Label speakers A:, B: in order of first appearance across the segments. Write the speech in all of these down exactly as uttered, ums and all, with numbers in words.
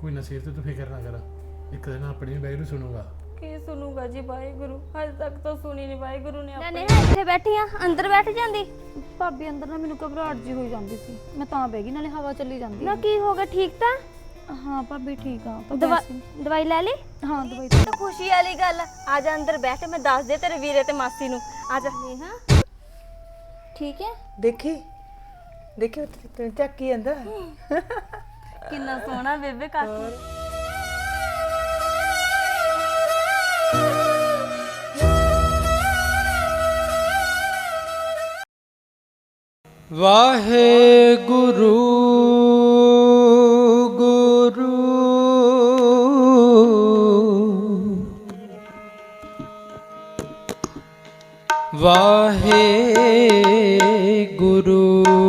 A: ਕੋਈ ਨਾ ਸਿਰ ਤੇ ਤੂੰ ਫਿਕਰ ਨਾ ਕਰ, ਇੱਕ ਦਿਨ ਆਪਣੀ ਵਾਹਿਗੁਰੂ ਸੁਣੂਗਾ।
B: ਕੀ ਸੁਣੂਗਾ ਜੀ ਵਾਹਿਗੁਰੂ? ਹਜੇ ਤੱਕ ਤਾਂ ਸੁਣੀ ਨਹੀਂ ਵਾਹਿਗੁਰੂ ਨੇ
C: ਮੈਂ
B: ਆਪਣੀ।
C: ਨੇਹਾ ਇੱਥੇ ਬੈਠੀ ਆ, ਅੰਦਰ ਬੈਠ ਜਾਂਦੀ।
D: ਭਾਬੀ ਅੰਦਰ ਨਾ ਮੈਨੂੰ ਘਬਰਾਹਟ ਜੀ ਹੋਈ ਜਾਂਦੀ ਸੀ, ਮੈਂ ਤਾਂ ਬਹਿ ਗਈ, ਨਾਲੇ ਹਵਾ ਚੱਲੀ ਜਾਂਦੀ
C: ਨਾ ਕੀ ਹੋ ਗਿਆ, ਠੀਕ ਤਾਂ?
D: ਹਾਂ ਭਾਬੀ ਠੀਕ ਆ। ਤਾਂ
C: ਦਵਾ
D: ਵੈਸੇ ਹੀ-
C: ਦਵਾਈ ਲੈ ਲਈ?
D: ਹਾਂ ਦਵਾਈ
C: ਇਹ ਤਾਂ ਖੁਸ਼ੀ ਵਾਲੀ ਗੱਲ ਆ। ਆ ਜਾ ਅੰਦਰ ਬੈਠ, ਮੈਂ ਦੱਸ ਦੇ ਤੇਰੇ ਵੀਰੇ ਤੇ ਮਾਸੀ ਨੂੰ। ਆ ਜਾ ਨੇਹਾ, ਠੀਕ ਹੈ?
E: ਦੇਖੀ ਦੇਖੀ ਤੈਨੂੰ ਚੱਕ ਕੀ ਆਂਦਾ।
C: ਕਿੰਨਾ ਸੋਹਣਾ ਬੇਬੇ ਕਾਕੀ।
F: ਵਾਹਿਗੁਰੂ ਗੁਰੂ ਵਾਹਿਗੁਰੂ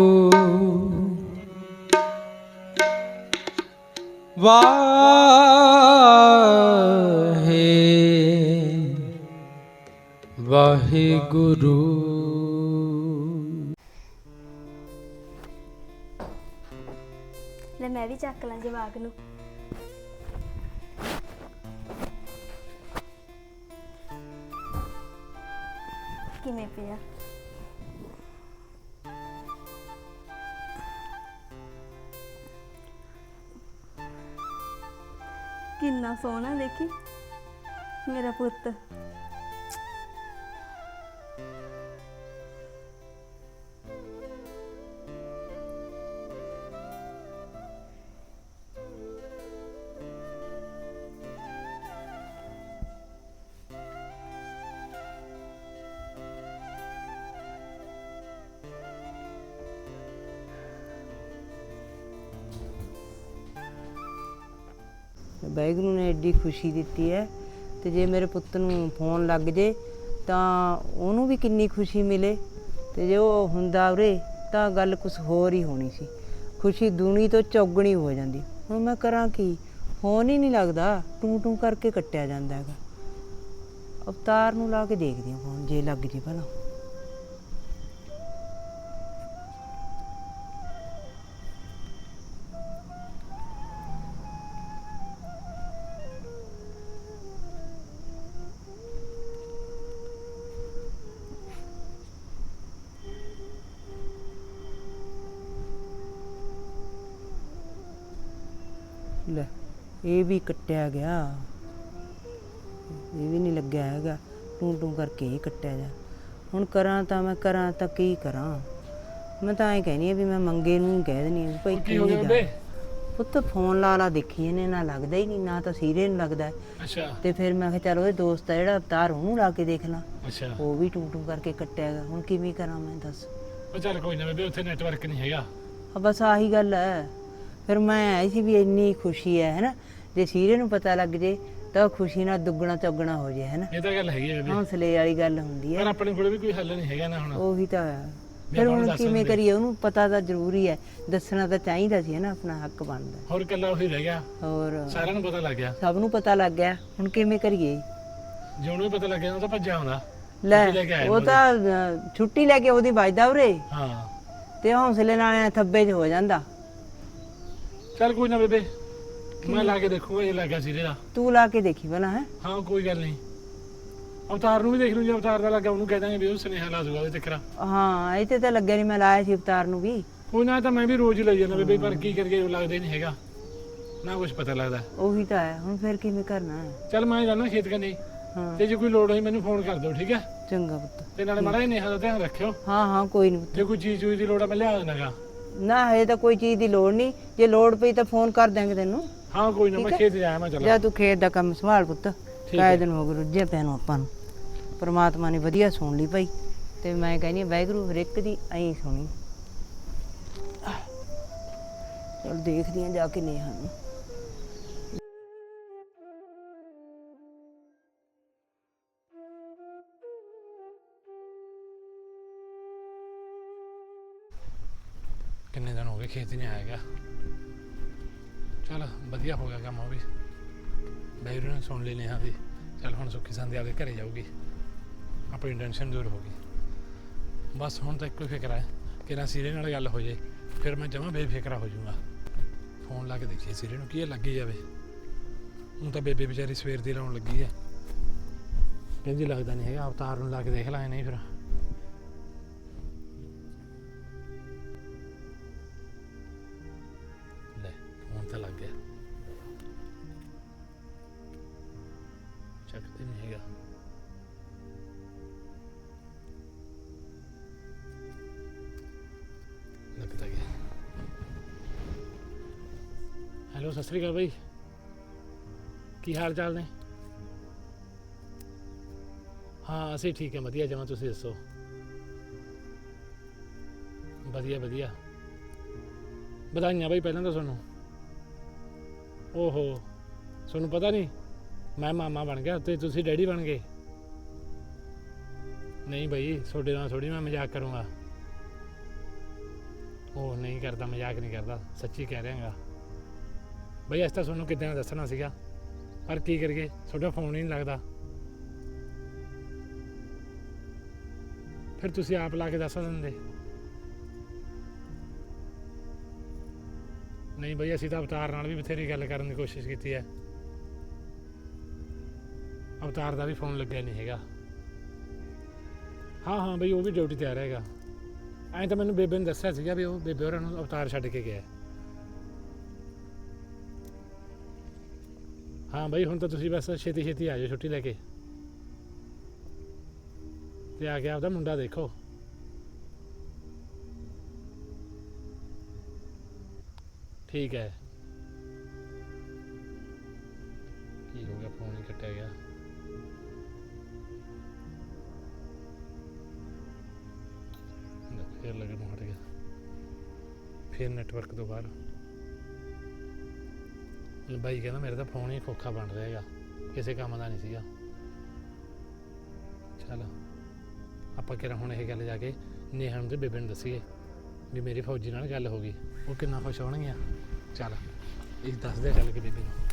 F: ਵਾਹੇ ਵਾਹਿਗੁਰੂ।
C: ਲੈ ਮੈਂ ਵੀ ਚੱਕ ਲਾਂ ਜਵਾਕ ਨੂੰ। ਕਿਵੇਂ ਪਿਆ? ਕਿੰਨਾ ਸੋਹਣਾ, ਦੇਖੀ ਮੇਰਾ ਪੁੱਤ।
E: ਵਾਹਿਗੁਰੂ ਨੇ ਐਡੀ ਖੁਸ਼ੀ ਦਿੱਤੀ ਹੈ, ਤੇ ਜੇ ਮੇਰੇ ਪੁੱਤ ਨੂੰ ਫੋਨ ਲੱਗ ਜੇ ਤਾਂ ਉਹਨੂੰ ਵੀ ਕਿੰਨੀ ਖੁਸ਼ੀ ਮਿਲੇ, ਤੇ ਜੇ ਉਹ ਹੁੰਦਾ ਉਰੇ ਤਾਂ ਗੱਲ ਕੁਝ ਹੋਰ ਹੀ ਹੋਣੀ ਸੀ। ਖੁਸ਼ੀ ਦੂਣੀ ਤੋਂ ਚੌਗਣੀ ਹੋ ਜਾਂਦੀ। ਹੁਣ ਮੈਂ ਕਰਾਂ ਕੀ, ਫੋਨ ਹੀ ਨਹੀਂ ਲੱਗਦਾ, ਟੂੰ ਟੂੰ ਕਰਕੇ ਕੱਟਿਆ ਜਾਂਦਾ ਹੈਗਾ। ਅਵਤਾਰ ਨੂੰ ਲਾ ਕੇ ਦੇਖਦੀ ਹਾਂ ਫੋਨ, ਜੇ ਲੱਗ ਜੇ ਭਲਾ। ਲੈ ਇਹ ਵੀ ਕੱਟਿਆ ਗਿਆ, ਇਹ ਵੀ ਨਹੀਂ ਲੱਗਿਆ ਹੈਗਾ, ਟੂੰ ਟੂੰ ਕਰਕੇ ਹੀ ਕੱਟਿਆ ਜਾ। ਹੁਣ ਕਰਾਂ ਤਾਂ ਮੈਂ ਕਰਾਂ ਤਾਂ ਕੀ ਕਰਾਂ? ਮੈਂ ਤਾਂ ਐਂ ਕਹਿਨੀ ਆ ਵੀ ਮੈਂ ਮੰਗੇ ਨੂੰ ਕਹਿ ਦੇਣੀ ਆ ਭਾਈ
A: ਕੀ ਹੋ ਗਿਆ ਬੇ?
E: ਪੁੱਤ ਫੋਨ ਲਾ ਲਾ ਦੇਖੀ ਇਹਨੇ, ਨਾ ਲੱਗਦਾ ਹੀ ਨਹੀਂ, ਨਾ ਤਾਂ ਸੀਰੇ ਨੂੰ ਲੱਗਦਾ।
A: ਅੱਛਾ
E: ਤੇ ਫਿਰ ਮੈਂ ਕਿਹਾ ਚੱਲ ਉਹਦੇ ਦੋਸਤ ਆ ਜਿਹੜਾ ਅਵਤਾਰ, ਉਹਨੂੰ ਲਾ ਕੇ ਦੇਖ ਲਾਂ।
A: ਅੱਛਾ
E: ਉਹ ਵੀ ਟੂੰ ਟੂੰ ਕਰਕੇ ਕੱਟਿਆ ਗਿਆ। ਹੁਣ ਕਿਵੇਂ ਕਰਾਂ ਮੈਂ, ਦੱਸ?
A: ਉਹ ਚੱਲ ਕੋਈ ਨਾ ਬੇਬੇ, ਉੱਥੇ ਨੈਟਵਰਕ ਨਹੀਂ ਹੈਗਾ।
E: ਆ ਬਸ ਆਹੀ ਗੱਲ ਹੈ। ਫਿਰ ਮੈਂ ਆਈ ਸੀ ਵੀ ਇੰਨੀ ਖੁਸ਼ੀ ਹੈ ਹੈਨਾ, ਜੇ ਸੀਰੇ ਨੂੰ ਪਤਾ ਲੱਗ ਜੇ ਤਾਂ ਖੁਸ਼ੀ ਨਾਲ ਦੁੱਗਣਾ ਚੌਗਣਾ ਹੋ ਜੇ ਹੈਨਾ।
A: ਇਹ ਤਾਂ ਗੱਲ ਹੈਗੀ ਹੈ ਬੇਬੇ,
E: ਹੌਸਲੇ ਵਾਲੀ ਗੱਲ ਹੁੰਦੀ
A: ਪਰ
E: ਹੈ।
A: ਆਪਣੇ ਕੋਲ ਵੀ ਕੋਈ ਹੱਲ ਨਹੀਂ ਹੈਗਾ ਨਾ ਹੁਣ।
E: ਉਹੀ ਤਾਂ ਹੈ। ਫਿਰ
A: ਹੁਣ
E: ਹੁਣ
A: ਦੱਸ
E: ਕਿਵੇਂ
A: ਦਿੰਦੇ।
E: ਕਰੀਏ? ਉਹਨੂੰ ਪਤਾ ਤਾਂ ਜ਼ਰੂਰੀ ਹੈ, ਦੱਸਣਾ ਤਾਂ ਚਾਹੀਦਾ ਸੀ ਹੈਨਾ, ਆਪਣਾ ਹੱਕ ਬਣਦਾ।
A: ਹੋਰ ਇਕੱਲਾ ਉਹੀ ਰਹਿ ਗਿਆ,
E: ਹੋਰ
A: ਸਾਰਿਆਂ ਨੂੰ ਪਤਾ ਲੱਗ ਗਿਆ।
E: ਸਭ ਨੂੰ ਪਤਾ ਲੱਗ ਗਿਆ, ਹੁਣ ਕਿਵੇਂ ਕਰੀਏ?
A: ਜੇ ਉਹਨੂੰ ਵੀ ਪਤਾ ਲੱਗ ਗਿਆ ਉਹ ਤਾਂ ਭੱਜਿਆ ਹੁੰਦਾ।
E: ਲੈ
A: ਛੁੱਟੀ ਲੈ ਕੇ ਆਇਆ
E: ਉਹ ਤਾਂ ਅਹ, ਛੁੱਟੀ ਲੈ ਕੇ ਉਹਦੀ ਵੱਜਦਾ ਉਰੇ,
A: ਹਾਂ
E: ਤੇ ਹੌਸਲੇ ਨਾਲ ਐਂ ਥੱਬੇ 'ਚ ਹੋ ਜਾਂਦਾ।
A: ਚੱਲ ਕੋਈ ਨਾ ਬੇਬੇ, ਮੈਂ ਲਾ ਕੇ ਦੇਖੂਗਾ ਇਹ ਲੱਗ ਗਿਆ ਸਿਰੇ ਦਾ।
E: ਤੂੰ ਲਾ ਕੇ ਦੇਖੀ ਭਲਾ ਹੈ।
A: ਹਾਂ ਕੋਈ ਗੱਲ ਨਹੀਂ, ਅਵਤਾਰ ਨੂੰ ਵੀ ਦੇਖ ਲੂ, ਜੇ ਅਵਤਾਰ ਦਾ ਲੱਗਾ ਉਹਨੂੰ ਕਹਿ ਦਾਂਗੇ ਵੀ ਉਹ ਸੁਨੇਹਾ ਲਾ ਦੂਗਾ ਉਹਦੇ ਚੱਕਰਾ।
E: ਹਾਂ ਇੱਥੇ ਤਾਂ ਲੱਗਿਆ ਨਹੀਂ, ਮੈਂ ਲਾਇਆ ਸੀ ਅਵਤਾਰ ਨੂੰ ਵੀ।
A: ਕੋਈ ਨਾ, ਤਾਂ ਮੈਂ ਵੀ ਰੋਜ਼ ਹੀ ਲਈ ਜਾਂਦਾ ਬੇਬੇ, ਪਰ ਕੀ ਕਰੀਏ, ਉਹ ਲੱਗਦਾ ਹੀ ਨਹੀਂ ਹੈਗਾ ਨਾ, ਕੁਝ ਪਤਾ ਲੱਗਦਾ।
E: ਉਹੀ ਤਾਂ ਹੈ, ਹੁਣ ਫਿਰ ਕਿਵੇਂ ਕਰਨਾ ਹੈ?
A: ਚੱਲ ਮੈਂ ਜਾਣਾ ਖੇਤ ਕੰਨੀ,
E: ਹਾਂ
A: ਤੇ ਜੇ ਕੋਈ ਲੋੜ ਹੋਈ ਮੈਨੂੰ ਫੋਨ ਕਰ ਦਿਓ, ਠੀਕ ਹੈ?
E: ਚੰਗਾ ਪੁੱਤ।
A: ਤੇ ਨਾਲੇ ਮਾੜਾ ਜਿਹਾ ਨੇਹਾ ਦਾ ਧਿਆਨ ਰੱਖਿਓ,
E: ਹਾਂ ਹਾਂ ਕੋਈ ਨਹੀਂ ਪੁੱਤ।
A: ਜੇ ਕੋਈ ਚੀਜ਼ ਚੂਜ਼ ਦੀ ਲੋੜ ਆ ਮੈਂ ਲਿਆ ਦੇਣਾਗਾ।
E: ਨਾ ਹਜੇ ਤਾਂ ਕੋਈ ਚੀਜ਼ ਦੀ ਲੋੜ ਨਹੀਂ, ਜੇ ਲੋੜ ਪਈ ਤਾਂ ਫੋਨ ਕਰ ਦਾਂਗੇ ਤੈਨੂੰ।
A: ਹਾਂ ਕੋਈ ਨਾ, ਮੈਂ ਖੇਤ ਜਾਇਆ ਮੈਂ। ਚੱਲ
E: ਜਾ ਤੂੰ ਖੇਤ ਦਾ ਕੰਮ ਸੰਭਾਲ ਪੁੱਤ, ਕਾਇ ਦਿਨ ਹੋ ਗਏ ਰੁੱਝੇ ਪੈ ਨੂੰ ਆਪਾਂ ਨੂੰ। ਪਰਮਾਤਮਾ ਨੇ ਵਧੀਆ ਸੁਣ ਲਈ ਭਾਈ, ਤੇ ਮੈਂ ਕਹਿੰਦੀ ਹਾਂ ਵਾਹਿਗੁਰੂ ਹਰ ਇੱਕ ਦੀ ਐਂ ਸੁਣੀ। ਚਲ ਦੇਖਦੀ ਹਾਂ ਜਾ ਕੇ ਨੇਹਾ ਨੂੰ।
A: ਕਿੰਨੇ ਦਿਨ ਹੋ ਗਏ ਖੇਤ ਨਹੀਂ ਆਏਗਾ। ਚਲ ਵਧੀਆ ਹੋ ਗਿਆ ਕੰਮ, ਉਹ ਵੀ ਵਾਹਿਗੁਰੂ ਨੇ ਸੁਣ ਲਈ ਨੇਹਾ ਦੀ। ਚੱਲ ਹੁਣ ਸੁੱਖੀ ਸੰਦੀ ਆਪਦੇ ਘਰੇ ਜਾਊਗੀ, ਆਪਣੀ ਟੈਨਸ਼ਨ ਦੂਰ ਹੋ ਗਈ। ਬਸ ਹੁਣ ਤਾਂ ਇੱਕੋ ਫਿਕਰ ਹੈ ਕਿ ਨਾ ਸੀਰੇ ਨਾਲ ਗੱਲ ਹੋ ਜੇ, ਫਿਰ ਮੈਂ ਜਮਾਂ ਬੇਫਿਕਰਾ ਹੋ ਜਾਊਗਾ। ਫੋਨ ਲਾ ਕੇ ਦੇਖੀਏ ਸਿਰੇ ਨੂੰ, ਕੀ ਇਹ ਲੱਗੀ ਜਾਵੇ। ਹੁਣ ਤਾਂ ਬੇਬੇ ਵਿਚਾਰੀ ਸਵੇਰ ਦੀ ਲਾਉਣ ਲੱਗੀ ਹੈ, ਕਹਿੰਦੀ ਲੱਗਦਾ ਨਹੀਂ ਹੈਗਾ। ਅਵਤਾਰ ਨੂੰ ਲਾ ਕੇ ਦੇਖ ਲਾਂਗੇ, ਨਹੀਂ ਫਿਰ ਲੈ ਫੋਨ ਤਾਂ ਲੱਗ ਗਿਆ, ਚੱਕਦੇ ਨਹੀਂ ਹੈਗਾ। ਲੱਗਦਾ ਗਿਆ। ਹੈਲੋ, ਸਤਿ ਸ਼੍ਰੀ ਅਕਾਲ ਬਾਈ, ਕੀ ਹਾਲ ਚਾਲ ਨੇ? ਹਾਂ ਅਸੀਂ ਠੀਕ ਹੈ, ਵਧੀਆ ਜਮਾਂ। ਤੁਸੀਂ ਦੱਸੋ? ਵਧੀਆ ਵਧੀਆ। ਵਧਾਈਆਂ ਬਾਈ ਪਹਿਲਾਂ ਤਾਂ ਤੁਹਾਨੂੰ। ਓਹੋ, ਤੁਹਾਨੂੰ ਪਤਾ ਨਹੀਂ ਮੈਂ ਮਾਮਾ ਬਣ ਗਿਆ ਤੇ ਤੁਸੀਂ ਡੈਡੀ ਬਣ ਗਏ। ਨਹੀਂ ਬਾਈ, ਤੁਹਾਡੇ ਨਾਲ ਥੋੜ੍ਹੀ ਮੈਂ ਮਜ਼ਾਕ ਕਰੂੰਗਾ। ਉਹ ਨਹੀਂ ਕਰਦਾ, ਮਜ਼ਾਕ ਨਹੀਂ ਕਰਦਾ, ਸੱਚੀ ਕਹਿ ਰਿਹਾ ਗਾ ਬਈ। ਅੱਜ ਤਾਂ ਤੁਹਾਨੂੰ ਕਿੱਦਾਂ ਦੱਸਣਾ ਸੀਗਾ, ਪਰ ਕੀ ਕਰੀਏ, ਤੁਹਾਡਾ ਫੋਨ ਹੀ ਨਹੀਂ ਲੱਗਦਾ। ਫਿਰ ਤੁਸੀਂ ਆਪ ਲਾ ਕੇ ਦੱਸ ਦਿੰਦੇ। ਨਹੀਂ ਬਈ, ਅਸੀਂ ਤਾਂ ਅਵਤਾਰ ਨਾਲ ਵੀ ਬਥੇਰੀ ਗੱਲ ਕਰਨ ਦੀ ਕੋਸ਼ਿਸ਼ ਕੀਤੀ ਹੈ, ਅਵਤਾਰ ਦਾ ਵੀ ਫੋਨ ਲੱਗਿਆ ਨਹੀਂ ਹੈਗਾ। ਹਾਂ ਹਾਂ ਬਈ, ਉਹ ਵੀ ਡਿਊਟੀ ਤੇ ਆ ਰਿਹਾ ਹੈਗਾ। ਐਂ ਤਾਂ ਮੈਨੂੰ ਬੇਬੇ ਨੇ ਦੱਸਿਆ ਸੀਗਾ ਵੀ ਉਹ ਬੇਬੇ ਹੋਰਾਂ ਨੂੰ ਅਵਤਾਰ ਛੱਡ ਕੇ ਗਿਆ। ਹਾਂ ਬਈ, ਹੁਣ ਤਾਂ ਤੁਸੀਂ ਬਸ ਛੇਤੀ ਛੇਤੀ ਆ ਜਾਓ ਛੁੱਟੀ ਲੈ ਕੇ, ਤੇ ਆ ਗਿਆ ਆਪਦਾ ਮੁੰਡਾ ਦੇਖੋ। ਠੀਕ ਹੈ। ਕੀ ਹੋ ਗਿਆ, ਫੋਨ ਹੀ ਕੱਟਿਆ ਗਿਆ। ਫਿਰ ਲੱਗਣ ਨੂੰ ਹਟ ਗਿਆ, ਫਿਰ ਨੈਟਵਰਕ ਤੋਂ ਬਾਹਰ। ਬਾਈ ਕਹਿੰਦਾ ਮੇਰੇ ਤਾਂ ਫੋਨ ਹੀ ਖੋਖਾ ਬਣ ਰਿਹਾ ਹੈਗਾ, ਕਿਸੇ ਕੰਮ ਦਾ ਨਹੀਂ ਸੀਗਾ। ਚੱਲ ਆਪਾਂ ਕਿਹੜਾ ਹੁਣ ਇਹ ਗੱਲ ਜਾ ਕੇ ਨੇਹਾ ਨੂੰ ਤੇ ਬੇਬੇ ਨੂੰ ਦੱਸੀਏ ਵੀ ਮੇਰੀ ਫੌਜੀ ਨਾਲ ਗੱਲ ਹੋ ਗਈ, ਉਹ ਕਿੰਨਾ ਖੁਸ਼ ਹੋਣਗੀਆਂ। ਚੱਲ ਇਹ ਦੱਸਦੇ ਚੱਲ ਕੇ ਬੇਬੇ ਨੂੰ।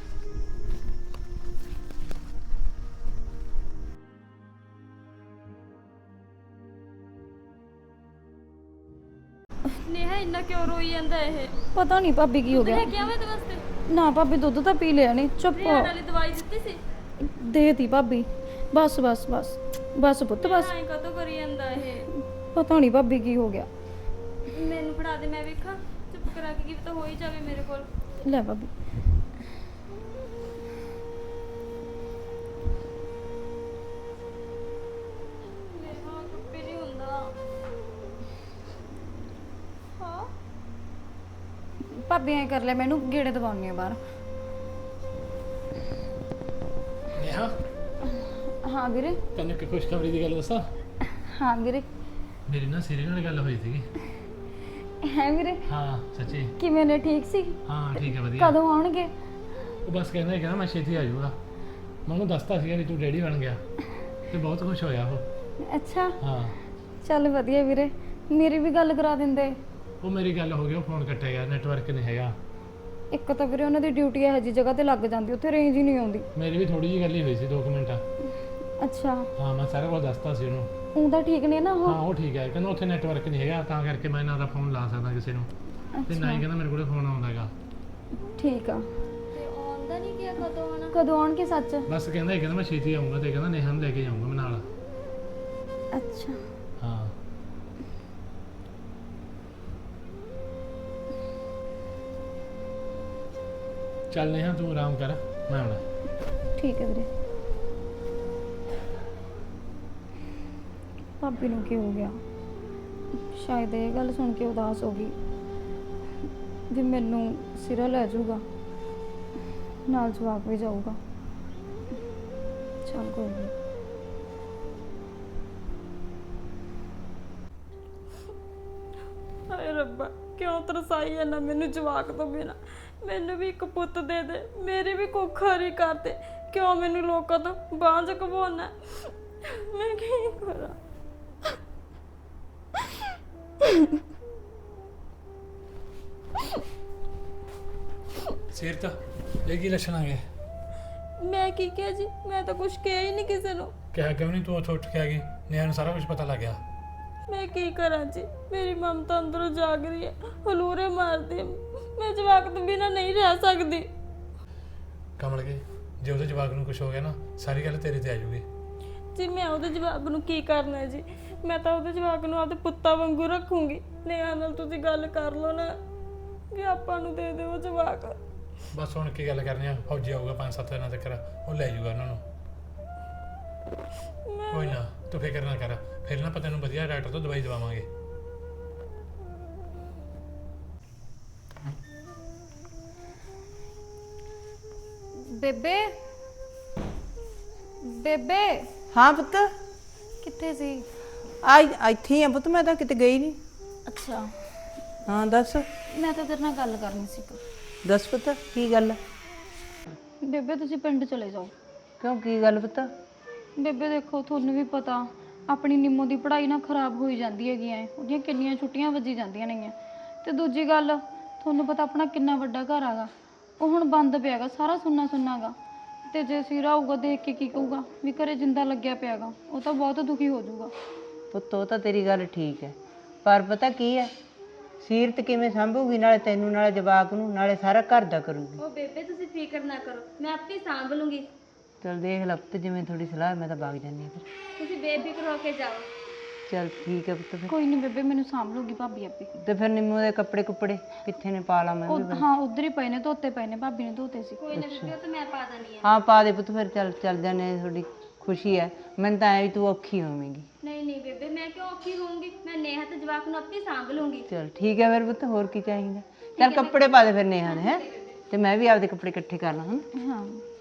B: ਨੇਹਾ ਇੰਨਾ ਕਿਉਂ ਰੋਈ ਜਾਂਦਾ ਇਹ?
D: ਪਤਾ ਨਹੀਂ ਭਾਬੀ ਕੀ ਹੋ ਗਿਆ।
B: ਲੈ ਕੇ ਆਵਾਂ ਤੇ ਵਾਸਤੇ?
D: ਨਾ ਭਾਬੀ, ਦੁੱਧ ਤਾਂ ਪੀ ਲਿਆ ਨੇ। ਚੁੱਪ
B: ਰਿਆੜ ਵਾਲੀ ਦਵਾਈ ਦਿੱਤੀ ਸੀ?
D: ਦੇਤੀ ਭਾਬੀ। ਬਸ ਬਸ ਬਸ ਬਸ ਪੁੱਤ ਬਸ।
B: ਐਂ ਕਦੋਂ ਕਰੀ ਜਾਂਦਾ ਇਹ?
D: ਪਤਾ ਨਹੀਂ ਭਾਬੀ ਕੀ ਹੋ ਗਿਆ।
B: ਮੈਨੂੰ ਫੜਾ ਦੇ, ਮੈਂ ਵੇਖਾਂ। ਚੁੱਪ ਕਰਾ ਕੇ ਕੀ ਪਤਾ ਹੋ ਹੀ ਜਾਵੇ ਮੇਰੇ ਕੋਲ।
D: ਲੈ ਭਾਬੀ।
B: ਨੇਹਾ ਚੁੱਪ ਹੀ ਨਹੀਂ ਹੁੰਦਾ। ਹਾਂ
D: ਭਾਬੀ ਐਂ ਕਰ ਲੈ, ਮੈਨੂੰ ਗੇੜੇ ਦਵਾਉਣੀ ਆ ਬਾਹਰ।
A: ਨੇਹਾ,
D: ਹਾਂ ਵੀਰੇ।
A: ਤੈਨੂੰ ਇੱਕ ਖੁਸ਼ਖਬਰੀ ਦੀ ਗੱਲ ਦੱਸਾਂ?
D: ਹਾਂ ਵੀਰੇ।
A: ਮੇਰੀ ਨਾ ਸਿਰੇ ਨਾਲ ਗੱਲ ਹੋਈ ਸੀਗੀ।
D: ਹੈ ਵੀਰੇ?
A: ਹਾਂ ਸੱਚੀ।
D: ਕਿਵੇਂ ਨੇ? ਠੀਕ ਸੀ?
A: ਹਾਂ ਠੀਕ ਹੈ, ਵਧੀਆ।
D: ਕਦੋਂ ਆਉਣਗੇ?
A: ਉਹ ਬਸ ਕਹਿੰਦਾ ਸੀ, ਕਹਿੰਦਾ ਮੈਂ ਛੇਤੀ ਆ ਜਾਊਗਾ। ਮੈਂ ਉਹਨੂੰ ਦੱਸਤਾ ਸੀਗਾ ਵੀ ਤੂੰ ਡੈਡੀ ਬਣ ਗਿਆ, ਤੇ ਬਹੁਤ ਖੁਸ਼ ਹੋਇਆ ਉਹ।
D: ਅੱਛਾ,
A: ਹਾਂ
D: ਚੱਲ ਵਧੀਆ ਵੀਰੇ। ਮੇਰੀ ਵੀ ਗੱਲ ਕਰਾ ਦਿੰਦੇ।
A: ਉਹ ਮੇਰੀ ਗੱਲ ਹੋ ਗਈ, ਉਹ ਫੋਨ ਕੱਟਿਆ ਗਿਆ, ਨੈਟਵਰਕ ਨਹੀਂ ਹੈਗਾ।
D: ਇੱਕ ਤਾਂ ਵੀਰੇ ਉਹਨਾਂ ਦੀ ਡਿਊਟੀ ਇਹੋ ਜਿਹੀ ਜਗ੍ਹਾ ਤੇ ਲੱਗ ਜਾਂਦੀ, ਉੱਥੇ ਰੇਂਜ ਹੀ ਨਹੀਂ ਆਉਂਦੀ।
A: ਮੇਰੀ ਵੀ ਥੋੜੀ ਜਿਹੀ ਗੱਲ ਹੀ ਹੋਈ ਸੀ, ਦੋ ਕੁ ਮਿੰਟ।
D: ਅੱਛਾ,
A: ਹਾਂ ਮੈਂ ਸਾਰਾ ਕੁਝ ਦੱਸਤਾ ਸੀ ਉਹਨੂੰ।
D: ਉਹ ਤਾਂ ਠੀਕ ਨੇ ਨਾ ਉਹ?
A: ਹਾਂ ਉਹ ਠੀਕ ਹੈ, ਕਹਿੰਦਾ ਉੱਥੇ ਨੈਟਵਰਕ ਨਹੀਂ ਹੈਗਾ, ਤਾਂ ਕਰਕੇ ਮੈਂ ਇਹਨਾਂ ਦਾ ਫੋਨ ਲਾ ਸਕਦਾ ਕਿਸੇ ਨੂੰ, ਤੇ ਨਾ ਹੀ ਕਹਿੰਦਾ ਮੇਰੇ ਕੋਲ ਫੋਨ ਆਉਂਦਾ ਹੈਗਾ।
D: ਠੀਕ ਆ।
B: ਤੇ ਆਉਂਦਾ ਨਹੀਂ ਗਿਆ, ਕਦੋਂ ਆਣਾ?
D: ਕਦੋਂ ਆਉਣਗੇ ਸੱਚ?
A: ਬਸ ਕਹਿੰਦਾ ਇਹ ਕਹਿੰਦਾ ਮੈਂ ਛੇਤੀ ਆਊਂਗਾ, ਤੇ ਕਹਿੰਦਾ ਨੇਹਾ ਨੂੰ ਲੈ ਕੇ ਜਾਊਂਗਾ ਮੈਂ ਨਾਲ।
D: ਅੱਛਾ,
A: ਹਾਂ ਚੱਲ ਨੇਹਾ ਤੂੰ ਆਰਾਮ ਕਰ, ਮੈਂ ਆਉਣਾ।
D: ਠੀਕ ਹੈ ਵੀਰੇ। ਭਾਬੀ ਨੂੰ ਕੀ ਹੋ ਗਿਆ? ਸ਼ਾਇਦ ਇਹ ਗੱਲ ਸੁਣ ਕੇ ਉਦਾਸ ਹੋ ਗਈ ਵੀ ਮੈਨੂੰ ਸਿਰਾ ਲੈ ਜਾਊਗਾ, ਨਾਲ ਜਵਾਕ ਵੀ ਜਾਊਗਾ। ਚੱਲ ਕੋਈ ਨਹੀਂ।
B: ਹਾਏ ਰੱਬਾ, ਕਿਉਂ ਤਰਸਾਈ ਜਾਂਦਾ ਮੈਨੂੰ ਜਵਾਕ ਤੋਂ ਬਿਨਾ? ਮੈਨੂੰ ਵੀ ਇੱਕ ਪੁੱਤ ਦੇ ਦੇ, ਮੇਰੀ ਵੀ ਕੁੱਖ ਹਰੀ ਕਰ ਦੇ। ਕਿਉਂ ਮੈਨੂੰ ਲੋਕਾਂ ਤੋਂ ਬਾਂਝ ਕਵਾਉਣਾ? ਮੈਂ ਕੀ ਕਰਾਂ?
A: ਸਿਰ ਤਾਂ ਇਹ ਕੀ ਲੱਛਣ ਆ ਗਏ?
B: ਮੈਂ ਕੀ ਕਿਹਾ ਜੀ? ਮੈਂ ਤਾਂ ਕੁਝ ਕਿਹਾ ਹੀ ਨਹੀਂ ਕਿਸੇ ਨੂੰ।
A: ਕਿਹਾ ਕਿਉਂ ਨਹੀਂ? ਤੂੰ ਉੱਥੇ ਉੱਠ ਕੇ ਆ ਗਈ, ਨੇਹਾ ਨੂੰ ਸਾਰਾ ਕੁਝ ਪਤਾ ਲੱਗ ਗਿਆ।
B: ਮੈਂ ਕੀ ਕਰਾਂ ਜੀ? ਮੇਰੀ ਮਮਤਾ ਅੰਦਰੋਂ ਜਾਗ ਰਹੀ ਹੈ, ਹਲੂਰੇ ਮਾਰਦੀ ਹੈ। ਮੈਂ ਜਵਾਕ ਤੋਂ ਬਿਨਾਂ ਨਹੀਂ ਰਹਿ ਸਕਦੀ।
A: ਕਮਲ ਕੇ ਜੇ ਉਹਦੇ ਜਵਾਕ ਨੂੰ ਕੁਝ ਹੋ ਗਿਆ ਨਾ ਸਾਰੀ ਗੱਲ ਤੇਰੇ ਤੇ ਆ ਜਾਊਗੀ।
B: ਜੀ ਮੈਂ ਉਹਦੇ ਜਵਾਕ ਨੂੰ ਕੀ ਕਰਨਾ ਹੈ ਜੀ? ਮੈਂ ਤਾਂ ਉਹਦੇ ਜਵਾਕ ਨੂੰ ਆਪਦੇ ਪੁੱਤਾਂ ਵਾਂਗੂ ਰੱਖੂੰਗੀ। ਨੇਹਾ ਨਾਲ ਤੁਸੀਂ ਗੱਲ ਕਰ ਲਓ ਨਾ ਵੀ ਆਪਾਂ ਨੂੰ ਦੇ ਦਿਓ ਜਵਾਕ।
A: ਬਸ ਹੁਣ ਕੀ ਗੱਲ ਕਰਨੀ ਆ, ਫੌਜੀ ਆਊਗਾ ਪੰਜ ਸੱਤ ਦਿਨਾਂ ਤੱਕ, ਉਹ ਲੈ ਜਾਊਗਾ ਉਹਨਾਂ ਨੂੰ। ਕੋਈ ਨਾ ਤੂੰ ਫਿਕਰ ਨਾ ਕਰ, ਫਿਰ ਨਾ ਆਪਾਂ ਤੈਨੂੰ ਵਧੀਆ ਡਾਕਟਰ ਤੋਂ ਦਵਾਈ ਦਵਾਵਾਂਗੇ।
D: ਬੇਬੇ ਬੇਬੇ
E: ਹਾਂ ਪੁੱਤ,
D: ਕਿੱਥੇ ਸੀ?
E: ਆ ਇੱਥੇ ਹੀ ਆ ਪੁੱਤ, ਮੈਂ ਤਾਂ ਕਿਤੇ ਗਈ ਨਹੀਂ।
D: ਅੱਛਾ,
E: ਹਾਂ ਦੱਸ
D: ਮੈਂ ਤਾਂ ਤੇਰੇ ਨਾਲ ਗੱਲ ਕਰਨੀ ਸੀ।
E: ਦੱਸ ਪੁੱਤ ਕੀ ਗੱਲ ਹੈ?
D: ਬੇਬੇ ਤੁਸੀਂ ਪਿੰਡ ਚਲੇ ਜਾਓ।
E: ਕਿਉਂ ਕੀ ਗੱਲ ਪੁੱਤ?
D: ਬੇਬੇ ਦੇਖੋ, ਤੁਹਾਨੂੰ ਵੀ ਪਤਾ ਆਪਣੀ ਨਿੰਮੋ ਦੀ ਪੜ੍ਹਾਈ ਨਾ ਖਰਾਬ ਹੋਈ ਜਾਂਦੀ ਹੈਗੀ ਐ, ਉਹਦੀਆਂ ਕਿੰਨੀਆਂ ਛੁੱਟੀਆਂ ਵੱਜੀ ਜਾਂਦੀਆਂ ਨੇਗੀਆਂ। ਤੇ ਦੂਜੀ ਗੱਲ, ਤੁਹਾਨੂੰ ਪਤਾ ਆਪਣਾ ਕਿੰਨਾ ਵੱਡਾ ਘਰ ਆਗਾ, ਉਹ ਹੁਣ ਬੰਦ ਪਿਆਗਾ, ਸਾਰਾ ਸੁੰਨਾ ਸੁੰਨਾਗਾ। ਤੇ ਜੇ ਸਿਰਾ ਆਊਗਾ ਦੇਖ ਕੇ ਕੀ ਕਹੂਗਾ ਵੀ ਘਰੇ ਜਿੰਦਾ ਲੱਗਿਆ ਪਿਆਗਾ, ਉਹ ਤਾਂ ਬਹੁਤ ਦੁਖੀ ਹੋ ਜਾਊਗਾ।
E: ਪੁੱਤ ਉਹ ਤਾਂ ਤੇਰੀ ਗੱਲ ਠੀਕ ਹੈ, ਪਰ ਪਤਾ ਕੀ ਹੈ, ਸੀਰਤ ਕਿਵੇਂ ਸੰਭੂਗੀ, ਨਾਲੇ ਤੈਨੂੰ ਨਾਲੇ ਜਵਾਕ ਨੂੰ, ਨਾਲੇ ਸਾਰਾ ਘਰ ਦਾ ਕਰੂਗੀ।
C: ਉਹ ਬੇਬੇ ਤੁਸੀਂ ਫਿਕਰ ਨਾ ਕਰੋ, ਮੈਂ ਆਪੇ ਸਾਂਭ ਲੂੰਗੀ।
E: ਚਲ ਦੇਖ ਲੈ ਪੁੱਤ, ਜਿਵੇਂ ਥੋੜੀ ਸਲਾਹ, ਮੈਂ ਤਾਂ ਵਗ ਜਾਂਦੀ ਹਾਂ ਫਿਰ।
C: ਤੁਸੀਂ ਬੇਫਿਕਰ ਹੋ ਕੇ ਜਾਓ।
E: ਚਲ ਠੀਕ ਹੈ ਪੁੱਤ ਫਿਰ।
D: ਕੋਈ ਨਹੀਂ ਬੇਬੇ, ਮੈਨੂੰ ਸਾਂਭ ਲੂਗੀ ਭਾਬੀ ਆਪੇ।
E: ਤੇ ਫਿਰ ਨਿੰਮੋ ਦੇ ਕੱਪੜੇ ਕੁੱਪੜੇ ਕਿੱਥੇ ਨੇ, ਪਾ ਲਾ ਮੈਂ ਵੀ।
D: ਉਹ ਹਾਂ ਉਧਰ ਹੀ ਪਏ ਨੇ, ਧੋਤੇ ਪਏ ਨੇ, ਭਾਬੀ ਨੇ ਧੋਤੇ ਸੀ।
C: ਕੋਈ ਨਾ ਬੇਬੇ, ਉਹ ਤਾਂ ਮੈਂ ਪਾ ਦਣੀ ਆ।
E: ਹਾਂ ਪਾ ਦੇ ਪੁੱਤ ਫਿਰ, ਚੱਲ ਚੱਲ ਜਾਨੇ, ਤੁਹਾਡੀ ਖੁਸ਼ੀ ਹੈ। ਮੈਨੂੰ ਤਾਂ ਐ ਵੀ ਤੂੰ ਔਖੀ ਹੋਵੇਂਗੀ।
C: ਨਹੀਂ ਨਹੀਂ ਬੇਬੇ, ਮੈਂ ਕਿਉਂ ਔਖੀ ਹੋਊਂਗੀ? ਮੈਂ ਨੇਹਾ ਤੇ ਜਵਾਕ ਨੂੰ ਆਪੇ ਸਾਂਭ ਲੂੰਗੀ।
E: ਚਲ ਠੀਕ ਹੈ ਫਿਰ ਪੁੱਤ, ਹੋਰ ਕੀ ਚਾਹੀਦਾ। ਚੱਲ ਕੱਪੜੇ ਪਾ ਦੇ ਫਿਰ ਨੇਹਾ ਨੇ, ਹੈ ਤੇ ਮੈਂ ਵੀ ਆਪਦੇ ਕੱਪੜੇ ਇਕੱਠੇ ਕਰ ਲਾਂ। ਹਾਂ
D: ਹਾਂ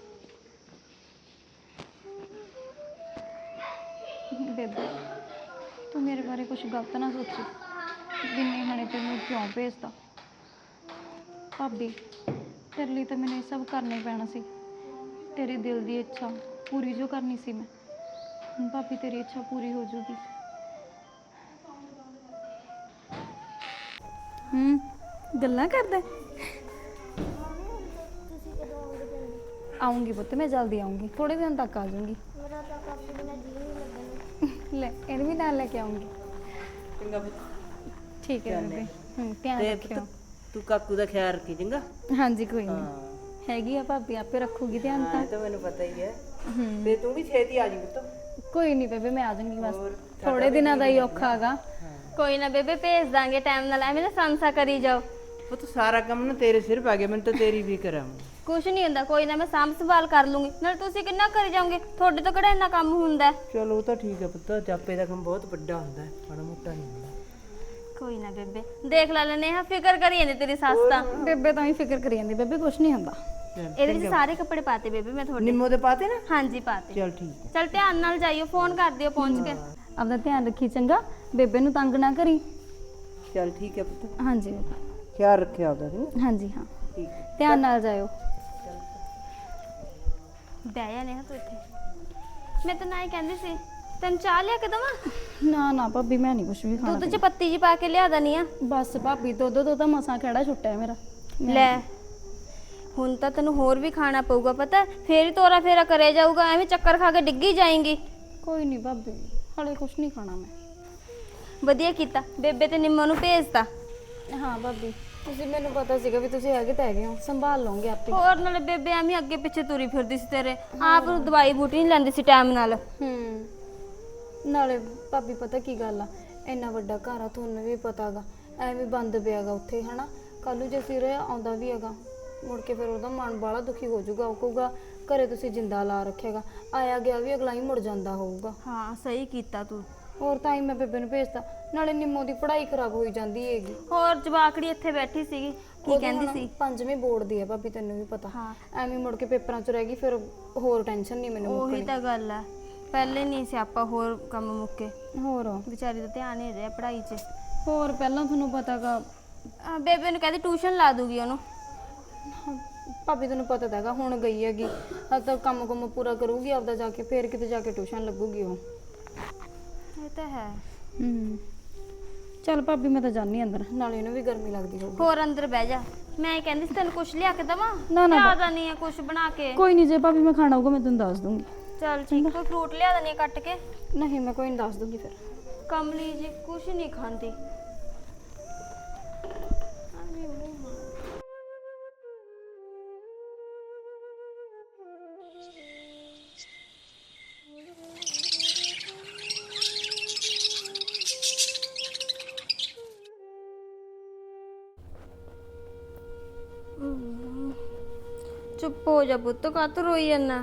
D: ਬੇਬੇ, ਤੂੰ ਮੇਰੇ ਬਾਰੇ ਕੁਝ ਗਲਤ ਨਾ ਸੋਚੀ ਵੀ ਨੇਹਾ ਨੇ ਤੈਨੂੰ ਕਿਉਂ ਭੇਜਤਾ। ਭਾਬੀ, ਤੇਰੇ ਲਈ ਤਾਂ ਮੈਨੂੰ ਇਹ ਸਭ ਕਰਨਾ ਹੀ ਪੈਣਾ ਸੀ। ਤੇਰੇ ਦਿਲ ਦੀ ਇੱਛਾ ਪੂਰੀ ਜੋ ਕਰਨੀ ਸੀ ਮੈਂ, ਹੁਣ ਭਾਬੀ ਤੇਰੀ ਇੱਛਾ ਪੂਰੀ ਹੋ ਜੂਗੀ। ਹੂੰ, ਗੱਲਾਂ ਕਰਦਾ। ਆਉਂਗੀ ਪੁੱਤ, ਮੈਂ ਜਲਦੀ ਆਉਂਗੀ, ਥੋੜੇ ਦਿਨ ਤੱਕ ਆ ਜਾਊਂਗੀ। ਲੈ ਇਹਨੂੰ ਵੀ ਨਾਲ ਲੈ ਕੇ ਆਉਂਗੀ।
E: ਚੰਗਾ ਪੁੱਤ,
D: ਠੀਕ ਹੈ ਬੇਬੇ। ਹੂੰ, ਧਿਆਨ
E: ਤੇ
D: ਰੱਖਿਓ।
E: ਪੁੱਤ ਤੂੰ ਕਾਕੂ ਦਾ ਖਿਆਲ ਰੱਖੀ ਚੰਗਾ।
D: ਹਾਂਜੀ ਕੋਈ ਨਹੀਂ, ਹੈਗੀ ਆ ਭਾਬੀ, ਆਪੇ ਰੱਖੂਗੀ ਧਿਆਨ ਤਾਂ।
E: ਇਹ ਤਾਂ ਮੈਨੂੰ ਪਤਾ ਹੀ ਹੈ।
D: ਹੂੰ,
E: ਤੇ ਤੂੰ ਵੀ ਛੇਤੀ ਆ ਜੀ ਪੁੱਤ।
D: ਕੋਈ ਨਹੀਂ ਬੇਬੇ, ਮੈਂ ਆ ਜਾਊਂਗੀ, ਬਸ ਥੋੜੇ ਦਿਨਾਂ ਦਾ ਹੀ ਔਖਾ ਹੈਗਾ।
C: ਕੋਈ ਨਾ ਬੇਬੇ, ਭੇਜ ਦਾਂਗੇ ਟਾਈਮ ਨਾਲ, ਐਵੇਂ ਨਾ ਸੰਸਾ ਕਰੀ ਜਾਓ।
E: ਪੁੱਤ ਸਾਰਾ ਕੰਮ ਨਾ ਤੇਰੇ ਸਿਰ ਪਾ ਗਿਆ, ਮੈਨੂੰ ਤਾਂ ਤੇਰੀ ਫਿਕਰ ਆ।
C: ਕੁਛ ਨਹੀਂ ਹੁੰਦਾ, ਕੋਈ ਨਾ ਮੈਂ ਸਾਂਭ ਸੰਭਾਲ ਕਰ ਲੂੰਗੀ। ਨਾਲ ਤੁਸੀਂ ਕਿੰਨਾ ਕਰੀ ਜਾਓਗੇ? ਤੁਹਾਡੇ ਤੋਂ ਕਿਹੜਾ ਇੰਨਾ ਕੰਮ ਹੁੰਦਾ?
E: ਚਲੋ ਉਹ ਤਾਂ ਠੀਕ ਹੈ ਪੁੱਤ, ਜਾਪੇ ਦਾ ਕੰਮ ਬਹੁਤ ਵੱਡਾ ਹੁੰਦਾ ਹੈ, ਮਾੜਾ ਮੋਟਾ ਨਹੀਂ ਹੁੰਦਾ।
C: ਕੋਈ ਨਾ ਬੇਬੇ, ਦੇਖ ਲੈ ਲੈਨੇ ਆ, ਫਿਕਰ ਕਰੀ ਜਾਂਦੀ ਤੇਰੀ ਸੱਸ ਤਾਂ।
D: ਬੇਬੇ ਤਾਂ ਹੀ ਫਿਕਰ ਕਰੀ ਜਾਂਦੀ, ਬੇਬੇ ਕੁਛ ਨਹੀਂ ਹੁੰਦਾ।
C: ਇਹਦੇ ਵਿੱਚ ਸਾਰੇ ਕੱਪੜੇ ਪਾਤੇ ਬੇਬੇ ਮੈਂ ਤੁਹਾਡੇ।
E: ਨਿੰਮੋ ਦੇ ਪਾਤੇ ਨਾ?
C: ਹਾਂਜੀ ਪਾਤੇ।
E: ਚਲ ਠੀਕ ਹੈ।
C: ਚਲ ਧਿਆਨ ਨਾਲ ਜਾਈਓ, ਫੋਨ ਕਰ ਦਿਓ ਪਹੁੰਚ ਕੇ।
D: ਆਪਦਾ ਧਿਆਨ ਰੱਖੀ ਚੰਗਾ, ਬੇਬੇ ਨੂੰ ਤੰਗ ਨਾ ਕਰੀ।
E: ਚਲ ਠੀਕ ਹੈ ਪੁੱਤ,
D: ਹਾਂਜੀ
E: ਖਿਆਲ ਰੱਖਿਆ ਆਪਦਾ।
D: ਹਾਂਜੀ ਹਾਂ,
E: ਠੀਕ
D: ਧਿਆਨ ਨਾਲ ਜਾਇਓ।
C: ਬਹਿ ਜਾ ਨੇਹਾ ਤੂੰ ਇੱਥੇ। ਮੈਂ ਤਾਂ ਨਾ ਹੀ ਕਹਿੰਦੀ ਸੀ, ਤੈਨੂੰ ਚਾਹ ਲਿਆ ਕੇ ਦਵਾਂ?
D: ਨਾ ਨਾ ਭਾਬੀ, ਮੈਂ ਨਹੀਂ ਕੁਛ ਵੀ ਖਾਣਾ।
C: ਦੁੱਧ 'ਚ ਪੱਤੀ ਜੀ ਪਾ ਕੇ ਲਿਆ ਦਨੀ ਆ।
D: ਬਸ ਭਾਬੀ, ਦੁੱਧ ਤੋਂ ਤਾਂ ਮਸਾਂ ਖੜਾ ਛੁੱਟਿਆ ਮੇਰਾ।
C: ਲੈ ਹੁਣ ਤਾਂ ਤੈਨੂੰ ਹੋਰ ਵੀ ਖਾਣਾ ਪਊਗਾ, ਪਤਾ ਫੇਰ ਹੀ ਤੋਰਾ ਫੇਰਾ ਕਰੇ ਜਾਊਗਾ, ਐਵੇਂ ਚੱਕਰ ਖਾ ਕੇ ਡਿੱਗੀ ਜਾਏਂਗੀ।
D: ਕੋਈ ਨਹੀਂ ਭਾਬੀ, ਹਲੇ ਕੁਛ ਨਹੀਂ ਖਾਣਾ ਮੈਂ।
C: ਵਧੀਆ ਕੀਤਾ, ਬੇਬੇ ਤੇ ਨਿੰਮੋ ਨੂੰ ਭੇਜਤਾ।
D: ਹਾਂ ਭਾਬੀ, ਤੁਸੀਂ ਮੈਨੂੰ ਪਤਾ ਸੀਗਾ ਵੀ ਤੁਸੀਂ ਹੈਗੇ ਤਾਂ ਹੈਗੇ ਹੋ, ਸੰਭਾਲ ਲਓਗੇ ਆਪੇ।
C: ਹੋਰ ਨਾਲੇ ਬੇਬੇ ਐਵੇਂ ਅੱਗੇ ਪਿੱਛੇ ਤੁਰੀ ਫਿਰਦੀ ਸੀ ਤੇਰੇ, ਆਪ ਨੂੰ ਦਵਾਈ ਬੂਟੀ ਨਹੀਂ ਲੈਂਦੀ ਸੀ ਟਾਈਮ ਨਾਲ।
D: ਹੂੰ, ਨਾਲੇ ਭਾਬੀ ਪਤਾ ਕੀ ਗੱਲ ਆ, ਇੰਨਾ ਵੱਡਾ ਘਰ ਆ, ਤੁਹਾਨੂੰ ਵੀ ਪਤਾਗਾ, ਐਵੇਂ ਬੰਦ ਪਿਆਗਾ ਉੱਥੇ, ਹਨਾ। ਕੱਲ ਨੂੰ ਜੇ ਸਿਰ ਆਉਂਦਾ ਵੀ ਹੈਗਾ, ਮੁੜ ਕੇ ਫਿਰ ਉਹਦਾ ਮਨ ਬਾਲਾ ਦੁਖੀ ਹੋ ਜਾਊਗਾ। ਉਹ ਕਹੂਗਾ ਘਰੇ ਤੁਸੀਂ ਜਿੰਦਾ ਲਾ ਰੱਖਿਆਗਾ, ਆਇਆ ਗਿਆ ਵੀ ਅਗਲਾ ਹੀ ਮੁੜ ਜਾਂਦਾ ਹੋਊਗਾ।
C: ਹਾਂ ਸਹੀ ਕੀਤਾ ਤੂੰ।
D: ਹੋਰ ਤਾਂ ਹੀ ਮੈਂ ਬੇਬੇ ਨੂੰ ਭੇਜਤਾ, ਨਾਲੇ ਨਿੰਮੋ ਦੀ ਪੜ੍ਹਾਈ ਖਰਾਬ ਹੋਈ ਜਾਂਦੀ ਹੈਗੀ।
C: ਹੋਰ ਜਵਾਕੜੀ ਇੱਥੇ ਬੈਠੀ ਸੀਗੀ, ਕੀ ਕਹਿੰਦੀ ਸੀ?
D: ਪੰਜਵੀਂ ਬੋਰਡ ਦੀ ਆ ਭਾਬੀ, ਤੈਨੂੰ ਵੀ ਪਤਾ।
C: ਹਾਂ।
D: ਐਵੇਂ ਮੁੜ ਕੇ ਪੇਪਰਾਂ 'ਚ ਰਹਿ ਗਈ, ਫਿਰ ਹੋਰ ਟੈਨਸ਼ਨ ਨਹੀਂ ਮੈਨੂੰ
C: ਉਹੀ
D: ਮੁੱਕਣੀ।
C: ਤਾਂ ਗੱਲ ਆ, ਪਹਿਲੇ ਨਹੀਂ ਸਿਆਪਾ ਹੋਰ ਕੰਮ ਮੁੱਕੇ।
D: ਹੋਰ
C: ਵਿਚਾਰੀ ਦਾ ਧਿਆਨ ਨਹੀਂ ਰਿਹਾ ਪੜ੍ਹਾਈ 'ਚ।
D: ਹੋਰ ਪਹਿਲਾਂ ਤੁਹਾਨੂੰ ਪਤਾਗਾ,
C: ਆ, ਬੇਬੇ ਨੂੰ ਕਹਿੰਦੀ ਟਿਊਸ਼ਨ ਲਾ ਦੂਗੀ ਉਹਨੂੰ।
D: ਭਾਬੀ ਤੈਨੂੰ ਪਤਾ ਤਾਂ ਹੈਗਾ, ਹੁਣ ਗਈ ਹੈਗੀ, ਹਜੇ ਤਾਂ ਕੰਮ ਕੁੰਮ ਪੂਰਾ ਕਰੂਗੀ ਆਪਦਾ ਜਾ ਕੇ, ਫਿਰ ਕਿਤੇ ਜਾ ਕੇ ਟਿਊਸ਼ਨ ਲੱਗੂਗੀ ਉਹ।
C: ਇਹ ਤਾਂ ਹੈ।
D: ਹੂੰ, ਚੱਲ ਭਾਬੀ ਮੈਂ ਤਾਂ ਜਾਣੀ ਅੰਦਰ, ਨਾਲੇ ਇਹਨੂੰ ਵੀ ਗਰਮੀ ਲੱਗਦੀ ਹੋਊਗੀ।
C: ਹੋਰ ਅੰਦਰ ਬਹਿ ਜਾ, ਮੈਂ ਇਹ ਕਹਿੰਦੀ ਸੀ ਤੈਨੂੰ ਕੁਛ ਲਿਆ ਕੇ ਦਵਾਂ?
D: ਨਾ, ਨਾ,
C: ਜ਼ਿਆਦਾ ਨਹੀਂ ਹੈ ਕੁਛ ਬਣਾ ਕੇ।
D: ਕੋਈ ਨਹੀਂ, ਜੇ ਭਾਬੀ ਮੈਂ ਖਾਣਾ ਹੋਊਗਾ ਮੈਂ ਤੈਨੂੰ ਦੱਸ ਦੂੰਗੀ।
C: ਚੱਲ ਠੀਕ, ਕੋਈ ਫਰੂਟ ਲਿਆ ਦਨੀ ਕੱਟ ਕੇ?
D: ਨਹੀਂ, ਮੈਂ ਕੋਈ ਨਹੀਂ ਦੱਸ ਦੂੰਗੀ ਫਿਰ।
C: ਕਮਲੀ ਜੀ ਕੁਛ ਨਹੀਂ ਖਾਂਦੀ। ਚੁੱਪ ਹੋ ਜਾ ਪੁੱਤ, ਕਾਹਤੋਂ ਰੋਈ ਜਾਂਦਾ?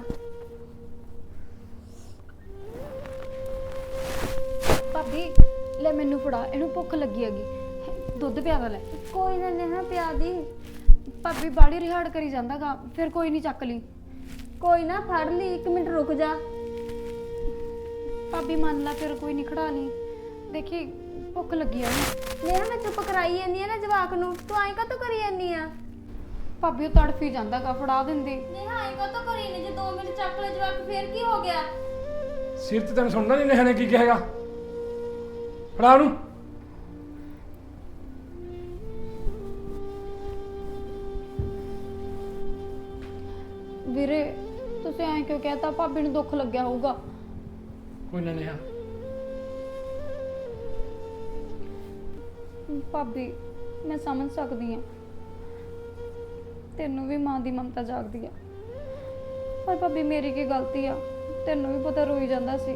D: ਭਾਬੀ ਲੈ ਮੈਨੂੰ ਫੜਾ, ਇਹਨੂੰ ਭੁੱਖ ਲੱਗੀ ਹੈਗੀ, ਦੁੱਧ ਪਿਆਦਾ ਲੈ।
C: ਕੋਈ ਨਾ ਨੇਹਾ ਪਿਆ ਦੀ।
D: ਭਾਬੀ ਬਾੜੀ ਰਿਹਾੜ ਕਰੀ ਜਾਂਦਾਗਾ, ਫਿਰ ਕੋਈ ਨਹੀਂ ਚੱਕ ਲਈ।
C: ਕੋਈ ਨਾ ਫੜ ਲਈ, ਇੱਕ ਮਿੰਟ ਰੁਕ ਜਾ।
D: ਭਾਬੀ ਮੰਨ ਲਾ, ਫਿਰ ਕੋਈ ਨਹੀਂ, ਖੜਾ ਲਈ। ਦੇਖੀ ਭੁੱਖ ਲੱਗੀ ਆ ਇਹਨੂੰ।
C: ਨੇਹਾ ਮੈਂ ਚੁੱਪ ਕਰਾਈ ਜਾਂਦੀ ਆ ਨਾ ਜਵਾਕ ਨੂੰ, ਤੂੰ ਐਂ ਕਾਹਤੋਂ ਕਰੀ ਜਾਂਦੀ ਆ?
D: ਭਾਬੀ ਉਹ ਤੜਫੀ ਜਾਂਦਾਗਾ, ਫੜਾ ਦਿੰਦੀ।
C: ਨੇਹਾ ਐਂ ਕਾਹਤੋਂ ਕਰੀ ਨੇ? ਜੇ ਦੋ ਮਿੰਟ ਚੱਕ ਲੈ ਜਵਾਕ ਫੇਰ ਕੀ ਹੋ ਗਿਆ?
A: ਸਿਰ ਤੇ ਤੈਨੂੰ ਸੁਣਦਾ ਨਹੀਂ ਨੇਹਾ ਨੇ ਕੀ ਕਹੇਗਾ? ਫੜਾ ਉਹਨੂੰ।
D: ਵੀਰੇ ਤੁਸੀਂ ਐਂ ਕਿਉਂ ਕਹਿਤਾ? ਭਾਬੀ ਨੂੰ ਦੁੱਖ ਲੱਗਿਆ ਹੋਊਗਾ।
A: ਕੋਈ ਨਾ ਨੇਹਾ,
D: ਭਾਬੀ ਮੈਂ ਸਮਝ ਸਕਦੀ ਹਾਂ, ਤੈਨੂੰ ਵੀ ਮਾਂ ਦੀ ਮਮਤਾ ਜਾਗਦੀ ਆ, ਪਰ ਭਾਬੀ ਮੇਰੀ ਕੀ ਗਲਤੀ ਆ? ਤੈਨੂੰ ਵੀ ਪਤਾ ਰੋਈ ਜਾਂਦਾ ਸੀ।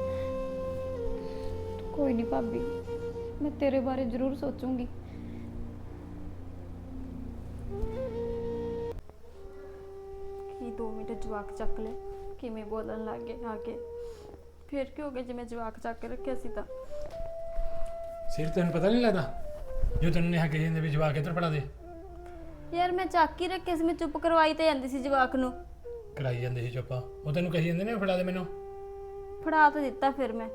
D: ਕੋਈ ਨਹੀਂ ਭਾਬੀ, ਮੈਂ ਤੇਰੇ ਬਾਰੇ ਜ਼ਰੂਰ ਸੋਚੂੰਗੀ।
B: ਕੀ ਦੋ ਮਿੰਟ ਜਵਾਕ ਚੱਕ ਲੈ, ਕਿਵੇਂ ਬੋਲਣ ਲੱਗ ਗਏ ਆ ਕੇ। ਫਿਰ ਕੀ ਹੋ ਗਿਆ ਜੇ ਮੈਂ ਜਵਾਕ ਚੱਕ ਕੇ ਰੱਖਿਆ ਸੀ ਤਾਂ?
A: ਸਿਰ ਤੈਨੂੰ ਪਤਾ ਨਹੀਂ ਲੱਗਦਾ ਜੋ ਤੈਨੂੰ ਨੇਹਾ ਕਹੀ ਜਾਂਦੇ ਵੀ ਜਵਾਕ ਇੱਧਰ ਫੜਾ ਦੇ?
C: ਯਾਰ ਮੈਂ ਚੱਕ ਹੀ ਰੱਖਿਆ ਸੀ, ਮੈਂ ਚੁੱਪ ਕਰਵਾਈ ਤੇ ਜਾਂਦੀ ਸੀ ਜਵਾਕ ਨੂੰ।
A: ਕਰਾਈ ਜਾਂਦੇ ਸੀ ਚੁੱਪਾ, ਉਹ ਤੈਨੂੰ ਕਹੀ ਜਾਂਦੇ ਨੇ ਫੜਾ ਦੇ ਮੈਨੂੰ।
C: ਫੜਾ ਤਾਂ ਦਿੱਤਾ ਫਿਰ ਮੈਂ।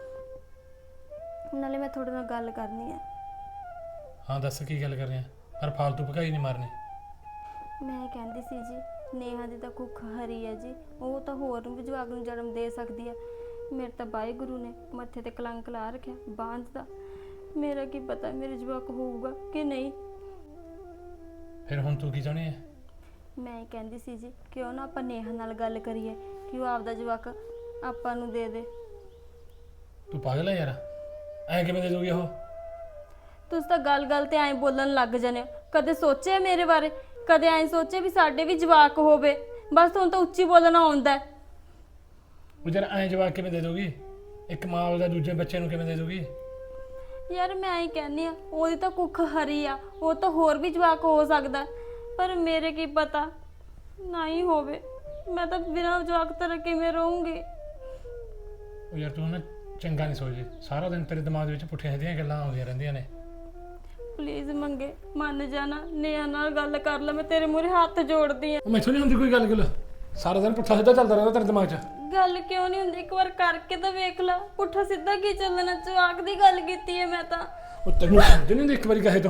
C: ਨਾਲੇ ਮੈਂ ਤੁਹਾਡੇ ਨਾਲ ਗੱਲ ਕਰਨੀ ਆ।
A: ਹਾਂ ਦੱਸ ਕੀ ਗੱਲ ਕਰ ਰਿਹਾ, ਪਰ ਫਾਲਤੂ ਭਕਾਈ ਨਹੀਂ ਮਾਰਨੀ।
C: ਮੈਂ ਕਹਿੰਦੀ ਸੀ ਜੀ, ਨੇਹਾ ਦੀ ਤਾਂ ਕੁੱਖ ਹਰੀ ਹੈ ਜੀ, ਉਹ ਤਾਂ ਹੋਰ ਨੂੰ ਵੀ ਜਵਾਕ ਨੂੰ ਜਨਮ ਦੇ ਸਕਦੀ ਆ। ਮੇਰੇ ਤਾਂ ਵਾਹਿਗੁਰੂ ਨੇ ਮੱਥੇ ਤੇ ਕਲੰਕ ਲਾ ਰੱਖਿਆ ਬਾਂਝ ਦਾ। ਮੇਰਾ ਕੀ ਪਤਾ ਮੇਰੇ ਜਵਾਕ ਹੋਊਗਾ ਕਿ ਨਹੀਂ।
A: ਫਿਰ ਹੁਣ ਤੂੰ ਕੀ ਚਾਹੁੰਦੀ ਹੈ?
C: ਮੈਂ ਕਹਿੰਦੀ ਸੀ ਜੀ, ਕਿਉਂ ਨਾ ਆਪਾਂ ਨੇਹਾ ਨਾਲ ਗੱਲ ਕਰੀਏ ਕਿ ਉਹ ਆਪਦਾ ਜਵਾਕ ਆਪਾਂ ਨੂੰ ਦੇ ਦੇ।
A: ਤੂੰ ਪਾਗਲ ਹੈ ਯਾਰ, ਐ ਕਿਵੇਂ ਦੇ ਦੂਗੀ ਉਹ?
C: ਤੁਸੀਂ ਤਾਂ ਗੱਲ-ਗੱਲ ਤੇ ਐਂ ਬੋਲਣ ਲੱਗ ਜਾਂਦੇ ਹੋ। ਕਦੇ ਸੋਚਿਆ ਮੇਰੇ ਬਾਰੇ? ਕਦੇ ਐਂ ਸੋਚਿਆ ਵੀ ਸਾਡੇ ਵੀ ਜਵਾਕ ਹੋਵੇ? ਬਸ ਤੁਹਾਨੂੰ ਤਾਂ ਉੱਚੀ ਬੋਲਣਾ ਆਉਂਦਾ ਹੈ।
A: ਉਹ ਯਾਰ ਐਂ ਜਵਾਕ ਕਿਵੇਂ ਦੇ ਦੂਗੀ? ਇੱਕ ਮਾਂ ਉਹਦਾ ਦੂਜੇ ਬੱਚੇ ਨੂੰ ਕਿਵੇਂ ਦੇ ਦੂਗੀ?
C: ਯਾਰ ਮੈਂ ਹੀ ਕਹਿੰਦੀ ਆ, ਉਹਦੀ ਤਾਂ ਕੁੱਖ ਹਰੀ ਆ, ਉਹ ਤਾਂ ਹੋਰ ਵੀ ਜਵਾਕ ਹੋ ਸਕਦਾ, ਪਰ ਮੇਰੇ ਕੀ ਪਤਾ ਨਾ ਹੀ ਹੋਵੇ। ਮੈਂ ਤਾਂ ਬਿਨਾਂ ਜਵਾਕ ਤੋਂ ਕਿਵੇਂ ਰਹੂੰਗੀ?
A: ਉਹ ਯਾਰ ਤੂੰ ਨਾ ਚੰਗਾ ਨਹੀਂ ਸੋਚਦੀ, ਸਾਰਾ ਦਿਨ ਤੇਰੇ ਦਿਮਾਗ ਵਿੱਚ ਪੁੱਠੀਆਂ ਸਿੱਧੀਆਂ ਗੱਲਾਂ ਆਉਂਦੀਆਂ ਰਹਿੰਦੀਆਂ ਨੇ।
C: ਪਲੀਜ਼ ਮੰਗੇ ਮੰਨ ਜਾਣਾ, ਨੇਹਾ ਨਾਲ ਗੱਲ ਕਰ ਲੈ, ਮੈਂ ਤੇਰੇ ਮੂਹਰੇ ਹੱਥ ਜੋੜਦੀ ਆ।
A: ਉਹ ਮੈਥੋਂ ਨਹੀਂ ਹੁੰਦੀ ਕੋਈ ਗੱਲ ਗੁੱਲ, ਸਾਰਾ ਦਿਨ ਪੁੱਠਾ ਸਿੱਧਾ ਚੱਲਦਾ ਰਹਿੰਦਾ ਤੇਰੇ ਦਿਮਾਗ 'ਚ।
C: ਗੱਲ ਕਿਉਂ ਨਹੀਂ ਹੁੰਦੀ? ਇੱਕ ਵਾਰ ਕਰਕੇ ਤਾਂ ਵੇਖ ਲੈ। ਪੁੱਠਾ ਸਿੱਧਾ ਕੀ ਚੱਲਣਾ? ਜਵਾਕ ਦੀ ਗੱਲ ਕੀਤੀ ਹੈ ਮੈਂ ਤਾਂ।
A: ਉਹ ਤੈਨੂੰ ਸਮਝ ਨਹੀਂ ਹੁੰਦੀ ਇੱਕ ਵਾਰੀ ਕਹੇ ਤੋਂ?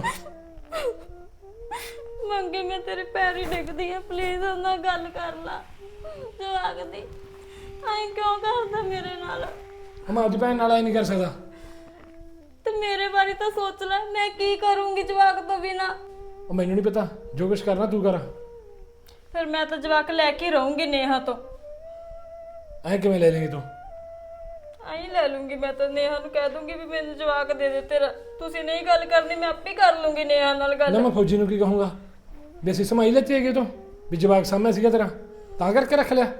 C: ਮੰਗੇ ਮੈਂ ਤੇਰੇ ਪੈਰ ਹੀ ਡਿੱਗਦੀ ਆ, ਪਲੀਜ਼ ਉਹਨਾਂ ਨਾਲ ਗੱਲ ਕਰ ਲਾ ਜਵਾਕ ਦੀ। ਐਂ ਕਿਉਂ ਕਰਦਾ ਮੇਰੇ ਨਾਲ?
A: ਮੈਂ ਆਪਦੀ ਭੈਣ ਨਾਲ ਐ ਨਹੀਂ ਕਰ ਸਕਦਾ।
C: ਤੇ ਮੇਰੇ ਬਾਰੇ ਤਾਂ ਸੋਚ ਲੈ, ਮੈਂ ਕੀ ਕਰੂੰਗੀ ਜਵਾਕ ਤੋਂ ਬਿਨਾ?
A: ਉਹ ਮੈਨੂੰ ਨਹੀਂ ਪਤਾ, ਜੋ ਕੁਛ ਕਰਨਾ ਤੂੰ ਕਰ।
B: ਫਿਰ ਮੈਂ ਤਾਂ ਜਵਾਕ ਲੈ ਕੇ ਰਹੂੰਗੀ ਨੇਹਾ ਤੋਂ।
A: ਐ ਕਿਵੇਂ ਲੈ ਲੇਂਗੀ ਤੂੰ?
B: ਆਈ ਲੈ ਲੂੰਗੀ ਮੈਂ ਤਾਂ। ਨੇਹਾ ਨੂੰ ਕਹਿ ਦੂੰਗੀ ਵੀ ਮੈਨੂੰ ਜਵਾਕ ਦੇ ਦੇ ਤੇਰਾ। ਤੁਸੀਂ ਨਹੀਂ ਗੱਲ ਕਰਨੀ, ਮੈਂ ਆਪੇ ਕਰ ਲੂੰਗੀ ਨੇਹਾ ਨਾਲ
A: ਨਾ
B: ਗੱਲ।
A: ਮੈਂ ਫੌਜੀ ਨੂੰ ਕੀ ਕਹੂੰਗਾ ਵੀ ਅਸੀਂ ਸਮਾਈ ਲੈਤੀ ਹੈਗੀ ਤੋਂ ਵੀ ਜਵਾਕ ਸਾਹਮਣੇ ਸੀਗਾ ਤੇਰਾ ਤਾਂ ਕਰਕੇ ਰੱਖ ਲਿਆ?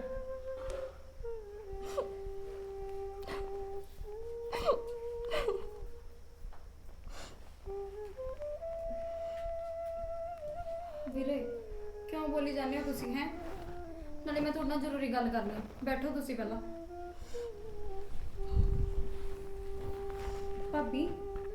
D: ਵੀਰੇ ਕਿਉਂ ਬੋਲੀ ਜਾਂਦੇ ਹੋ ਤੁਸੀਂ? ਹੈ ਨਾਲੇ ਮੈਂ ਤੁਹਾਡੇ ਨਾਲ ਜ਼ਰੂਰੀ ਗੱਲ ਕਰਨੀ ਹੈ, ਬੈਠੋ ਤੁਸੀਂ ਪਹਿਲਾਂ। ਭਾਬੀ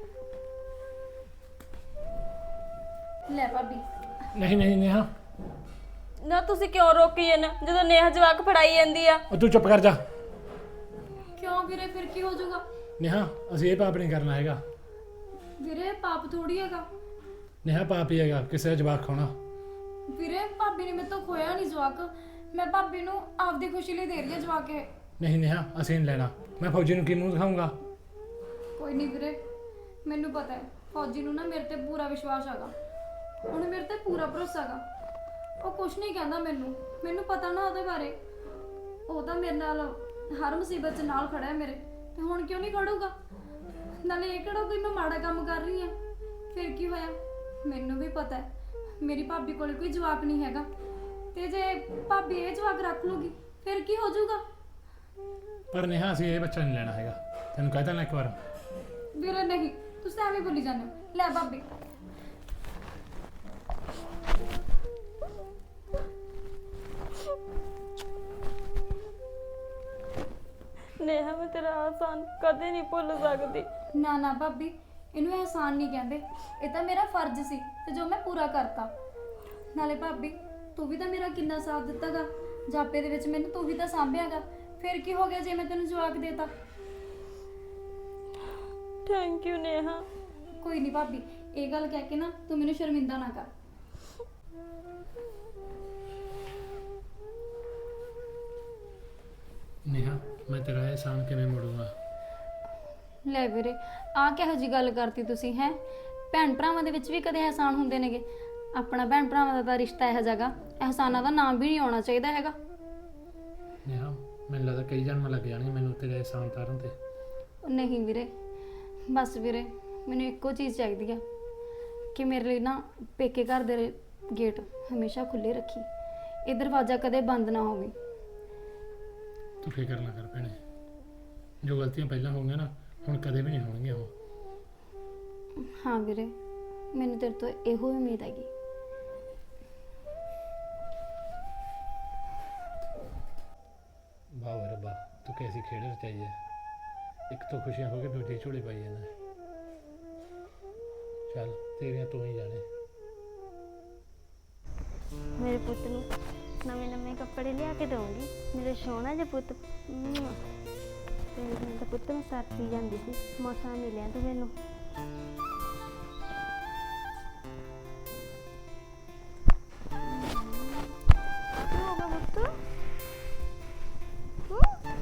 D: ਲੈ ਭਾਬੀ।
A: ਨਹੀਂ ਨਹੀਂ ਨੇਹਾ,
C: ਨਾ ਤੁਸੀਂ ਕਿਉਂ ਰੋਕੀ ਇਹਨ ਜਦੋਂ ਨੇਹਾ ਜਵਾਕ ਫੜਾਈ ਜਾਂਦੀ ਆ?
A: ਉਹ ਤੂੰ ਚੁੱਪ ਕਰ ਜਾ।
D: ਕਿਉਂ ਵੀਰੇ, ਫਿਰ ਕੀ ਹੋ ਜਾਊਗਾ?
A: ਨੇਹਾ ਅਸੀਂ ਇਹ ਪਾਪ ਨਹੀਂ ਕਰਨਾ ਹੈਗਾ।
D: ਵੀਰੇ ਪਾਪ ਥੋੜੀ ਹੈਗਾ।
A: ਨੇਹਾ ਪਾਪ ਹੀ ਹੈਗਾ ਕਿਸੇ ਦਾ ਜਵਾਕ ਖਾਣਾ।
D: ਵੀਰੇ ਭਾਬੀ ਨੇ ਮੇਰੇ ਤੋਂ ਖੋਇਆ ਨਹੀਂ ਜਵਾਕ, ਮੈਂ ਭਾਬੀ ਨੂੰ ਆਪਦੀ ਖੁਸ਼ੀ ਲਈ ਦੇ ਰਹੀ ਹਾਂ ਜਵਾਕ ਇਹ।
A: ਨਹੀਂ ਨੇਹਾ ਅਸੀਂ ਨਹੀਂ ਲੈਣਾ। ਮੈਂ ਫੌਜੀ ਨੂੰ ਕੀ ਮੂੰਹ ਦਿਖਾਊਂਗਾ?
D: ਕੋਈ ਨਹੀਂ ਵੀਰੇ, ਮੈਨੂੰ ਪਤਾ ਹੈ ਫੌਜੀ ਨੂੰ ਨਾ ਮੇਰੇ ਤੇ ਪੂਰਾ ਵਿਸ਼ਵਾਸ ਹੈਗਾ, ਉਹਨੂੰ ਮੇਰੇ ਤੇ ਪੂਰਾ ਭਰੋਸਾ ਹੈਗਾ। ਉਹ ਕੁਝ ਨਹੀਂ ਕਹਿੰਦਾ ਮੈਨੂੰ, ਮੈਨੂੰ ਪਤਾ ਨਾ ਉਹਦੇ ਬਾਰੇ। ਉਹ ਤਾਂ ਮੇਰੇ ਨਾਲ ਹਰ ਮੁਸੀਬਤ 'ਚ ਨਾਲ ਖੜਾ ਹੈ ਮੇਰੇ, ਤੇ ਹੁਣ ਕਿਉਂ ਨਹੀਂ ਖੜੂਗਾ? ਨਾਲੇ ਇਹ ਕਿਹੜਾ ਕੋਈ ਮੈਂ ਮਾੜਾ ਕੰਮ ਕਰ ਰਹੀ ਹਾਂ? ਫਿਰ ਕੀ ਹੋਇਆ? ਮੈਨੂੰ ਵੀ ਪਤਾ ਹੈ ਮੇਰੀ ਭਾਬੀ ਕੋਲ ਕੋਈ ਜਵਾਕ ਨਹੀਂ ਹੈਗਾ, ਤੇ ਜੇ ਭਾਬੀ ਇਹ ਜਵਾਕ ਰੱਖ ਲੂਗੀ ਫਿਰ ਕੀ ਹੋ ਜਾਊਗਾ?
A: ਪਰ ਨੇਹਾ ਅਸੀਂ ਇਹ ਬੱਚਾ ਨਹੀਂ ਲੈਣਾ ਹੈਗਾ, ਤੈਨੂੰ ਕਹਿ ਤਾ ਨਾ ਇੱਕ ਵਾਰ।
D: ਵੀਰੇ ਨਹੀਂ, ਤੁਸੀਂ ਐਵੇਂ ਬੋਲੀ ਜਾਂਦੇ ਹੋ। ਲੈ ਭਾਬੀ
B: ਨੇਹਾ ਮੈਂ ਤੇਰਾ ਆਸਾਨ ਕਦੇ ਨਹੀਂ ਭੁੱਲ ਸਕਦੀ।
D: ਨਾ ਨਾ ਭਾਬੀ, ਇਹਨੂੰ ਅਹਿਸਾਨ ਨਹੀਂ ਕਹਿੰਦੇ, ਇਹ ਤਾਂ ਮੇਰਾ ਫਰਜ਼ ਸੀ ਤੇ ਜੋ ਮੈਂ ਪੂਰਾ ਕਰਤਾ। ਨਾਲੇ ਭਾਬੀ ਤੂੰ ਵੀ ਤਾਂ ਮੇਰਾ ਕਿੰਨਾ ਸਾਥ ਦਿੱਤਾਗਾ ਜਾਪੇ ਦੇ ਵਿੱਚ, ਮੈਨੂੰ ਤੂੰ ਵੀ ਤਾਂ ਸਾਂਭਿਆਗਾ। ਫਿਰ ਕੀ ਹੋ ਗਿਆ ਜੇ ਮੈਂ ਤੈਨੂੰ ਜਵਾਕ ਦੇਤਾ?
B: Thank you Neha.
D: ਕੋਈ ਨਹੀਂ ਭਾਬੀ, ਇਹ ਗੱਲ ਕਹਿ ਕੇ ਨਾ ਤੂੰ ਮੈਨੂੰ ਸ਼ਰਮਿੰਦਾ ਨਾ ਕਰ।
A: ਨੇਹਾ ਮੈਂ ਤੇਰਾ ਅਹਿਸਾਨ ਕਿਵੇਂ ਮੋੜੂੰਗਾ?
D: ਲੈ ਵੀਰੇ, ਆਹ ਕਿਹੋ ਜੀ ਗੱਲ ਕਰਤੀ ਤੁਸੀਂ ਹੈ? ਭੈਣ ਭਰਾਵਾਂ ਦੇ ਵਿੱਚ ਵੀ ਕਦੇ ਅਹਿਸਾਨ ਹੁੰਦੇ ਨੇਗੇ? ਆਪਣਾ ਭੈਣ ਭਰਾਵਾਂ ਦਾ ਤਾਂ ਰਿਸ਼ਤਾ ਇਹੋ ਜਿਹਾ ਗਾ, ਅਹਿਸਾਨਾਂ ਦਾ ਨਾਮ ਵੀ ਨਹੀਂ ਆਉਣਾ ਚਾਹੀਦਾ ਹੈਗਾ।
A: ਨੇਹਾ ਮੈਨੂੰ ਲੱਗਦਾ ਕਈ ਜਨਮ ਲੱਗ ਜਾਣਗੇ ਮੈਨੂੰ ਤੇਰੇ ਅਹਿਸਾਨ ਉਤਾਰਨ ਤੇ।
D: ਨਹੀਂ ਵੀਰੇ, ਬਸ ਵੀਰੇ ਮੈਨੂੰ ਇੱਕੋ ਚੀਜ਼ ਚਾਹੀਦੀ ਆ ਕਿ ਮੇਰੇ ਲਈ ਨਾ ਪੇਕੇ ਘਰ ਦੇ ਗੇਟ ਹਮੇਸ਼ਾ ਖੁੱਲੇ ਰੱਖੀ, ਇਹ ਦਰਵਾਜ਼ਾ ਕਦੇ ਬੰਦ ਨਾ ਹੋਵੇ।
A: ਤੂੰ ਫਿਕਰ ਨਾ ਕਰ ਭੈਣੇ, ਜੋ ਗਲਤੀਆਂ ਪਹਿਲਾਂ ਹੋ ਗਈਆਂ ਨਾ ਹੁਣ ਕਦੇ ਵੀ ਨਹੀਂ ਹੋਣਗੀਆਂ ਉਹ।
D: ਹਾਂ ਵੀਰੇ, ਮੈਨੂੰ ਤੇਰੇ ਤੋਂ ਇਹੋ ਉਮੀਦ ਹੈਗੀ।
A: ਵਾਹ ਓਏ ਰੱਬਾ, ਤੂੰ ਕੈਸੀ ਖੇਡ ਰਚਾਈ ਹੈ। ਇੱਕ ਤੋਂ ਖੁਸ਼ੀਆਂ ਹੋ ਕੇ ਦੂਜੀ ਝੋਲੀ ਪਾਈ ਜਾਂਦਾ। ਚੱਲ ਤੇਰੀਆਂ ਤੂੰ ਹੀ ਜਾਣੇ।
C: ਮੇਰੇ ਪੁੱਤ ਨੂੰ ਨਵੇਂ ਨਵੇਂ ਕੱਪੜੇ ਲਿਆ ਕੇ ਦਊਂਗੀ, ਮੇਰੇ ਸੋਹਣਾ ਜਿਹਾ ਪੁੱਤ। ਮੁਆ। ਤੇ ਮੈਂ ਤਾਂ ਪੁੱਤ ਨੂੰ ਸਰਦੀ ਜਾਂਦੀ ਸੀ, ਮੌਸਮ ਮਿਲਿਆ ਤੂੰ ਮੈਨੂੰ। ਕੀ ਹੋ ਗਿਆ ਪੁੱਤ? ਹੂੰ?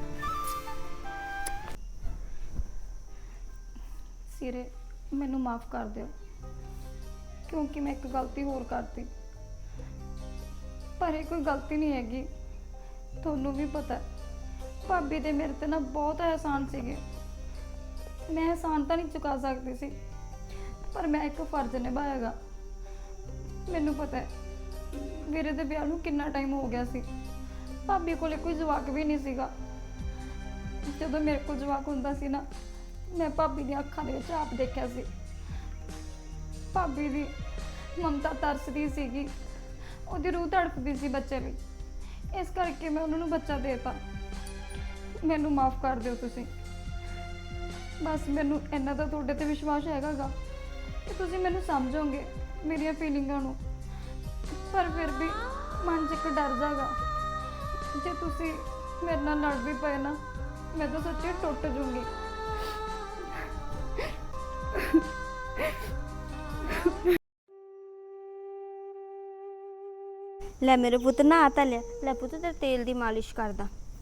D: ਸਿਰੇ ਮੈਨੂੰ ਮਾਫ ਕਰ ਦਿਓ, ਕਿਉਂਕਿ ਮੈਂ ਇੱਕ ਗਲਤੀ ਹੋਰ ਕਰਤੀ। ਪਰ ਇਹ ਕੋਈ ਗਲਤੀ ਨਹੀਂ ਹੈਗੀ, ਤੁਹਾਨੂੰ ਵੀ ਪਤਾ ਹੈ, ਭਾਬੀ ਦੇ ਮੇਰੇ ਤੇ ਨਾ ਬਹੁਤ ਅਹਿਸਾਨ ਸੀਗੇ। ਮੈਂ ਅਹਿਸਾਨ ਤਾਂ ਨਹੀਂ ਚੁਕਾ ਸਕਦੀ ਸੀ, ਪਰ ਮੈਂ ਇੱਕ ਫਰਜ਼ ਨਿਭਾਇਆਗਾ। ਮੈਨੂੰ ਪਤਾ ਹੈ ਵੀਰੇ ਦੇ ਵਿਆਹ ਨੂੰ ਕਿੰਨਾ ਟਾਈਮ ਹੋ ਗਿਆ ਸੀ, ਭਾਬੀ ਕੋਲੇ ਕੋਈ ਜਵਾਕ ਵੀ ਨਹੀਂ ਸੀਗਾ। ਜਦੋਂ ਮੇਰੇ ਕੋਲ ਜਵਾਕ ਹੁੰਦਾ ਸੀ ਨਾ, ਮੈਂ ਭਾਬੀ ਦੀਆਂ ਅੱਖਾਂ ਦੇ ਵਿੱਚ ਆਪ ਦੇਖਿਆ ਸੀ, ਭਾਬੀ ਦੀ ਮਮਤਾ ਤਰਸਦੀ ਸੀਗੀ, ਉਹਦੀ ਰੂਹ ਤੜਪਦੀ ਸੀ ਬੱਚੇ ਲਈ। ਇਸ ਕਰਕੇ ਮੈਂ ਉਹਨਾਂ ਨੂੰ ਬੱਚਾ ਦੇਤਾ। ਮੈਨੂੰ ਮਾਫ ਕਰ ਦਿਓ ਤੁਸੀਂ। ਬਸ ਮੈਨੂੰ ਇੰਨਾ ਤਾਂ ਤੁਹਾਡੇ ਤੇ ਵਿਸ਼ਵਾਸ ਹੈਗਾ ਗਾ ਕਿ ਤੁਸੀਂ ਮੈਨੂੰ ਸਮਝੋਗੇ, ਮੇਰੀਆਂ ਫੀਲਿੰਗਾਂ ਨੂੰ। ਪਰ ਫਿਰ ਵੀ ਮਨ 'ਚ ਇੱਕ ਡਰ ਜਾਗਾ, ਜੇ ਤੁਸੀਂ ਮੇਰੇ ਨਾਲ ਲੜ ਵੀ ਪਏ ਨਾ, ਮੈਂ ਤਾਂ ਸੱਚੀ ਟੁੱਟ ਜੂੰਗੀ।
C: ਲੈ ਮੇਰੇ ਪੁੱਤ ਨਹਾ ਤਾਂ ਲਿਆ। ਲੈ ਪੁੱਤ ਤੇਰੇ ਤੇਲ ਦੀ ਮਾਲਿਸ਼ ਕਰਦਾ।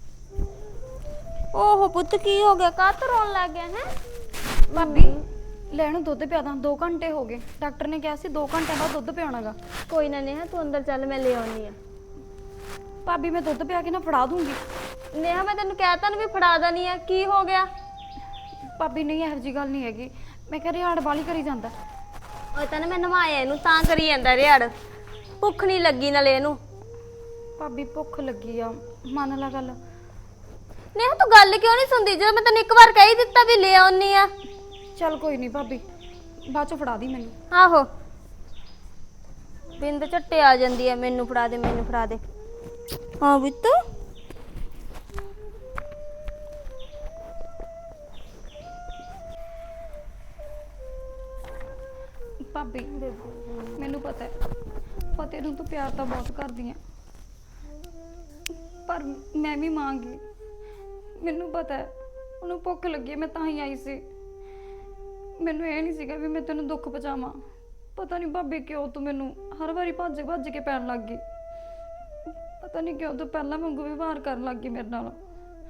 C: ਓਹੋ ਪੁੱਤ ਕੀ ਹੋ ਗਿਆ, ਕਾਹ ਤੋਂ ਰੋਣ ਲੱਗ ਗਿਆ ਹੈ?
D: ਭਾਬੀ ਲੈ ਇਹਨੂੰ ਦੁੱਧ ਪਿਆ ਦਾਂ, ਦੋ ਘੰਟੇ ਹੋ ਗਏ, ਡਾਕਟਰ ਨੇ ਕਿਹਾ ਸੀ ਦੋ ਘੰਟਿਆਂ ਬਾਅਦ ਦੁੱਧ ਪਿਆਉਣਾਗਾ।
C: ਕੋਈ ਨਾ ਨੇਹਾ, ਤੂੰ ਅੰਦਰ ਚੱਲ, ਮੈਂ ਲੈ ਆਉਣੀ ਆ।
D: ਭਾਬੀ ਮੈਂ ਦੁੱਧ ਪਿਆ ਕੇ ਨਾ ਫੜਾ ਦੂੰਗੀ।
C: ਨੇਹਾ ਮੈਂ ਤੈਨੂੰ ਕਹਿਤਾ ਨਾ ਵੀ ਫੜਾ ਦੇਣੀ ਆ, ਕੀ ਹੋ ਗਿਆ?
D: ਭਾਬੀ ਨਹੀਂ, ਇਹੋ ਜਿਹੀ ਗੱਲ ਨਹੀਂ ਹੈਗੀ, ਮੈਂ ਕਿਹਾ ਰਿਹਾੜ ਵਾਲੀ ਕਰੀ ਜਾਂਦਾ।
C: ਉਹ ਤਾਂ ਨਾ ਮੈਂ ਨਵਾਇਆ ਇਹਨੂੰ, ਤਾਂ ਕਰੀ ਜਾਂਦਾ ਰਿਹਾੜ। ਭੁੱਖ ਨਹੀਂ ਲੱਗੀ ਨਾਲੇ ਇਹਨੂੰ।
D: ਭਾਬੀ ਭੁੱਖ ਲੱਗੀ ਆ, ਮੰਨ ਲਾ ਗੱਲ।
C: ਨੇਹਾ ਤੂੰ ਗੱਲ ਕਿਉਂ ਨਹੀਂ ਸੁਣਦੀ, ਜਦੋਂ ਮੈਂ ਤੈਨੂੰ ਇੱਕ ਵਾਰ ਕਹਿ ਹੀ ਦਿੱਤਾ ਵੀ ਲੈ ਆਉਣੀ ਆ।
D: ਚੱਲ ਕੋਈ ਨਹੀਂ ਭਾਬੀ, ਬਾਅਦ ਚ ਫੜਾ ਦੀ ਮੈਨੂੰ।
C: ਆਹੋ ਬਿੰਦ ਝੱਟੇ ਆ ਜਾਂਦੀ ਆ, ਮੈਨੂੰ ਫੜਾ ਦੇ ਮੈਨੂੰ ਫੜਾ ਦੇ। ਹਾਂ ਬਿੱਤ
D: ਭਾਬੀ ਮੈਨੂੰ ਪਤਾ ਹੈ ਫਤਿਹ ਨੂੰ ਤੂੰ ਪਿਆਰ ਤਾਂ ਬਹੁਤ ਕਰਦੀ ਆ, ਪਰ ਮੈਂ ਵੀ ਮਾਂ ਗੀ। ਮੈਨੂੰ ਪਤਾ ਹੈ ਉਹਨੂੰ ਭੁੱਖ ਲੱਗੀ ਹੈ, ਮੈਂ ਤਾਂ ਹੀ ਆਈ ਸੀ। ਮੈਨੂੰ ਇਹ ਨਹੀਂ ਸੀਗਾ ਵੀ ਮੈਂ ਤੈਨੂੰ ਦੁੱਖ ਪਹੁੰਚਾਵਾਂ। ਪਤਾ ਨਹੀਂ ਭਾਬੀ ਕਿਉਂ ਤੂੰ ਮੈਨੂੰ ਹਰ ਵਾਰੀ ਭੱਜ ਭੱਜ ਕੇ ਪੈਣ ਲੱਗ ਗਈ। ਪਤਾ ਨਹੀਂ ਕਿਉਂ ਤੂੰ ਪਹਿਲਾਂ ਵਾਂਗੂ ਵਿਵਹਾਰ ਕਰਨ ਲੱਗ ਗਈ ਮੇਰੇ ਨਾਲ।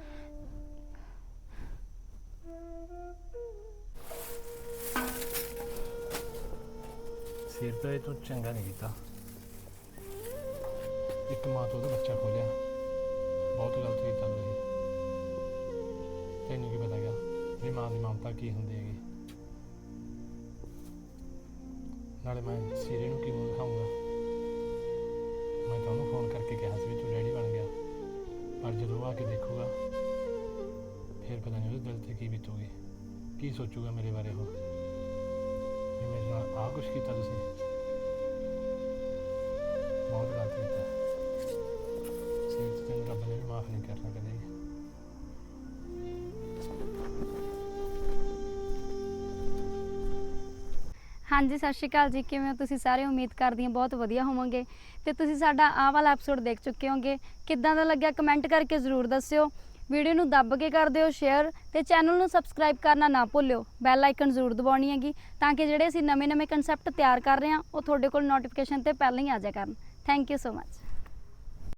A: ਸਿਰ ਤਾਂ ਇਹ ਤੋਂ ਚੰਗਾ ਨਹੀਂ ਕੀਤਾ। ਇੱਕ ਮਾਂ ਤੋਂ ਉਹਦਾ ਬੱਚਾ ਖੋਲਿਆ, ਬਹੁਤ ਗਲਤ ਕੀਤਾ ਤੁਸੀਂ। ਤੈਨੂੰ ਕੀ ਪਤਾ ਗਿਆ ਵੀ ਮਾਂ ਦੀ ਮਮਤਾ ਕੀ ਹੁੰਦੀ ਹੈਗੀ। ਨਾਲੇ ਮੈਂ ਸੀਰੇ ਨੂੰ ਕੀ ਮੂੰਹ ਦਿਖਾਊਂਗਾ। ਮੈਂ ਤਾਂ ਉਹਨੂੰ ਫੋਨ ਕਰਕੇ ਕਿਹਾ ਸੀ ਵੀ ਤੂੰ ਡੈਡੀ ਬਣ ਗਿਆ, ਪਰ ਜਦੋਂ ਆ ਕੇ ਦੇਖੂਗਾ ਫਿਰ ਪਤਾ ਨਹੀਂ ਉਹਦੇ ਦਿਲ 'ਤੇ ਕੀ ਬੀਤੂਗੀ, ਕੀ ਸੋਚੂਗਾ ਮੇਰੇ ਬਾਰੇ ਉਹ ਵੀ ਮੇਰੇ ਨਾਲ ਆਹ ਕੁਛ ਕੀਤਾ ਤੁਸੀਂ। ਬਹੁਤ ਗਲਤ ਕੀਤਾ। ਸਿਰ 'ਤੇ ਤੈਨੂੰ ਰੱਬ ਨੇ ਵੀ ਮਾਫ਼ ਨਹੀਂ ਕਰਨਾ ਕਦੇ ਵੀ।
D: ਹਾਂਜੀ ਸਤਿ ਸ਼੍ਰੀ ਅਕਾਲ ਜੀ, ਕਿਵੇਂ ਹੋ ਤੁਸੀਂ ਸਾਰੇ? ਉਮੀਦ ਕਰਦੀ ਹਾਂ ਬਹੁਤ ਵਧੀਆ ਹੋਵੋਗੇ। ਤੇ ਤੁਸੀਂ ਸਾਡਾ ਆਹ ਵਾਲਾ ਐਪੀਸੋਡ ਦੇਖ ਚੁੱਕੇ ਹੋਗੇ। ਕਿੱਦਾਂ ਦਾ ਲੱਗਿਆ ਕਮੈਂਟ ਕਰਕੇ ਜ਼ਰੂਰ ਦੱਸਿਓ। ਵੀਡੀਓ ਨੂੰ ਦੱਬ ਕੇ ਕਰ ਦਿਓ ਸ਼ੇਅਰ ਤੇ ਚੈਨਲ ਨੂੰ ਸਬਸਕ੍ਰਾਈਬ ਕਰਨਾ ਨਾ ਭੁੱਲਿਓ। ਬੈਲ ਆਈਕਨ ਜ਼ਰੂਰ ਦਬਾਉਣੀ ਹੈਗੀ ਤਾਂ ਕਿ ਜਿਹੜੇ ਅਸੀਂ ਨਵੇਂ-ਨਵੇਂ ਕਨਸੈਪਟ ਤਿਆਰ ਕਰ ਰਹੇ ਹਾਂ ਉਹ ਤੁਹਾਡੇ ਕੋਲ ਨੋਟੀਫਿਕੇਸ਼ਨ ਤੇ ਪਹਿਲਾਂ ਹੀ ਆ ਜਾਇਆ ਕਰਨ। Thank you so much.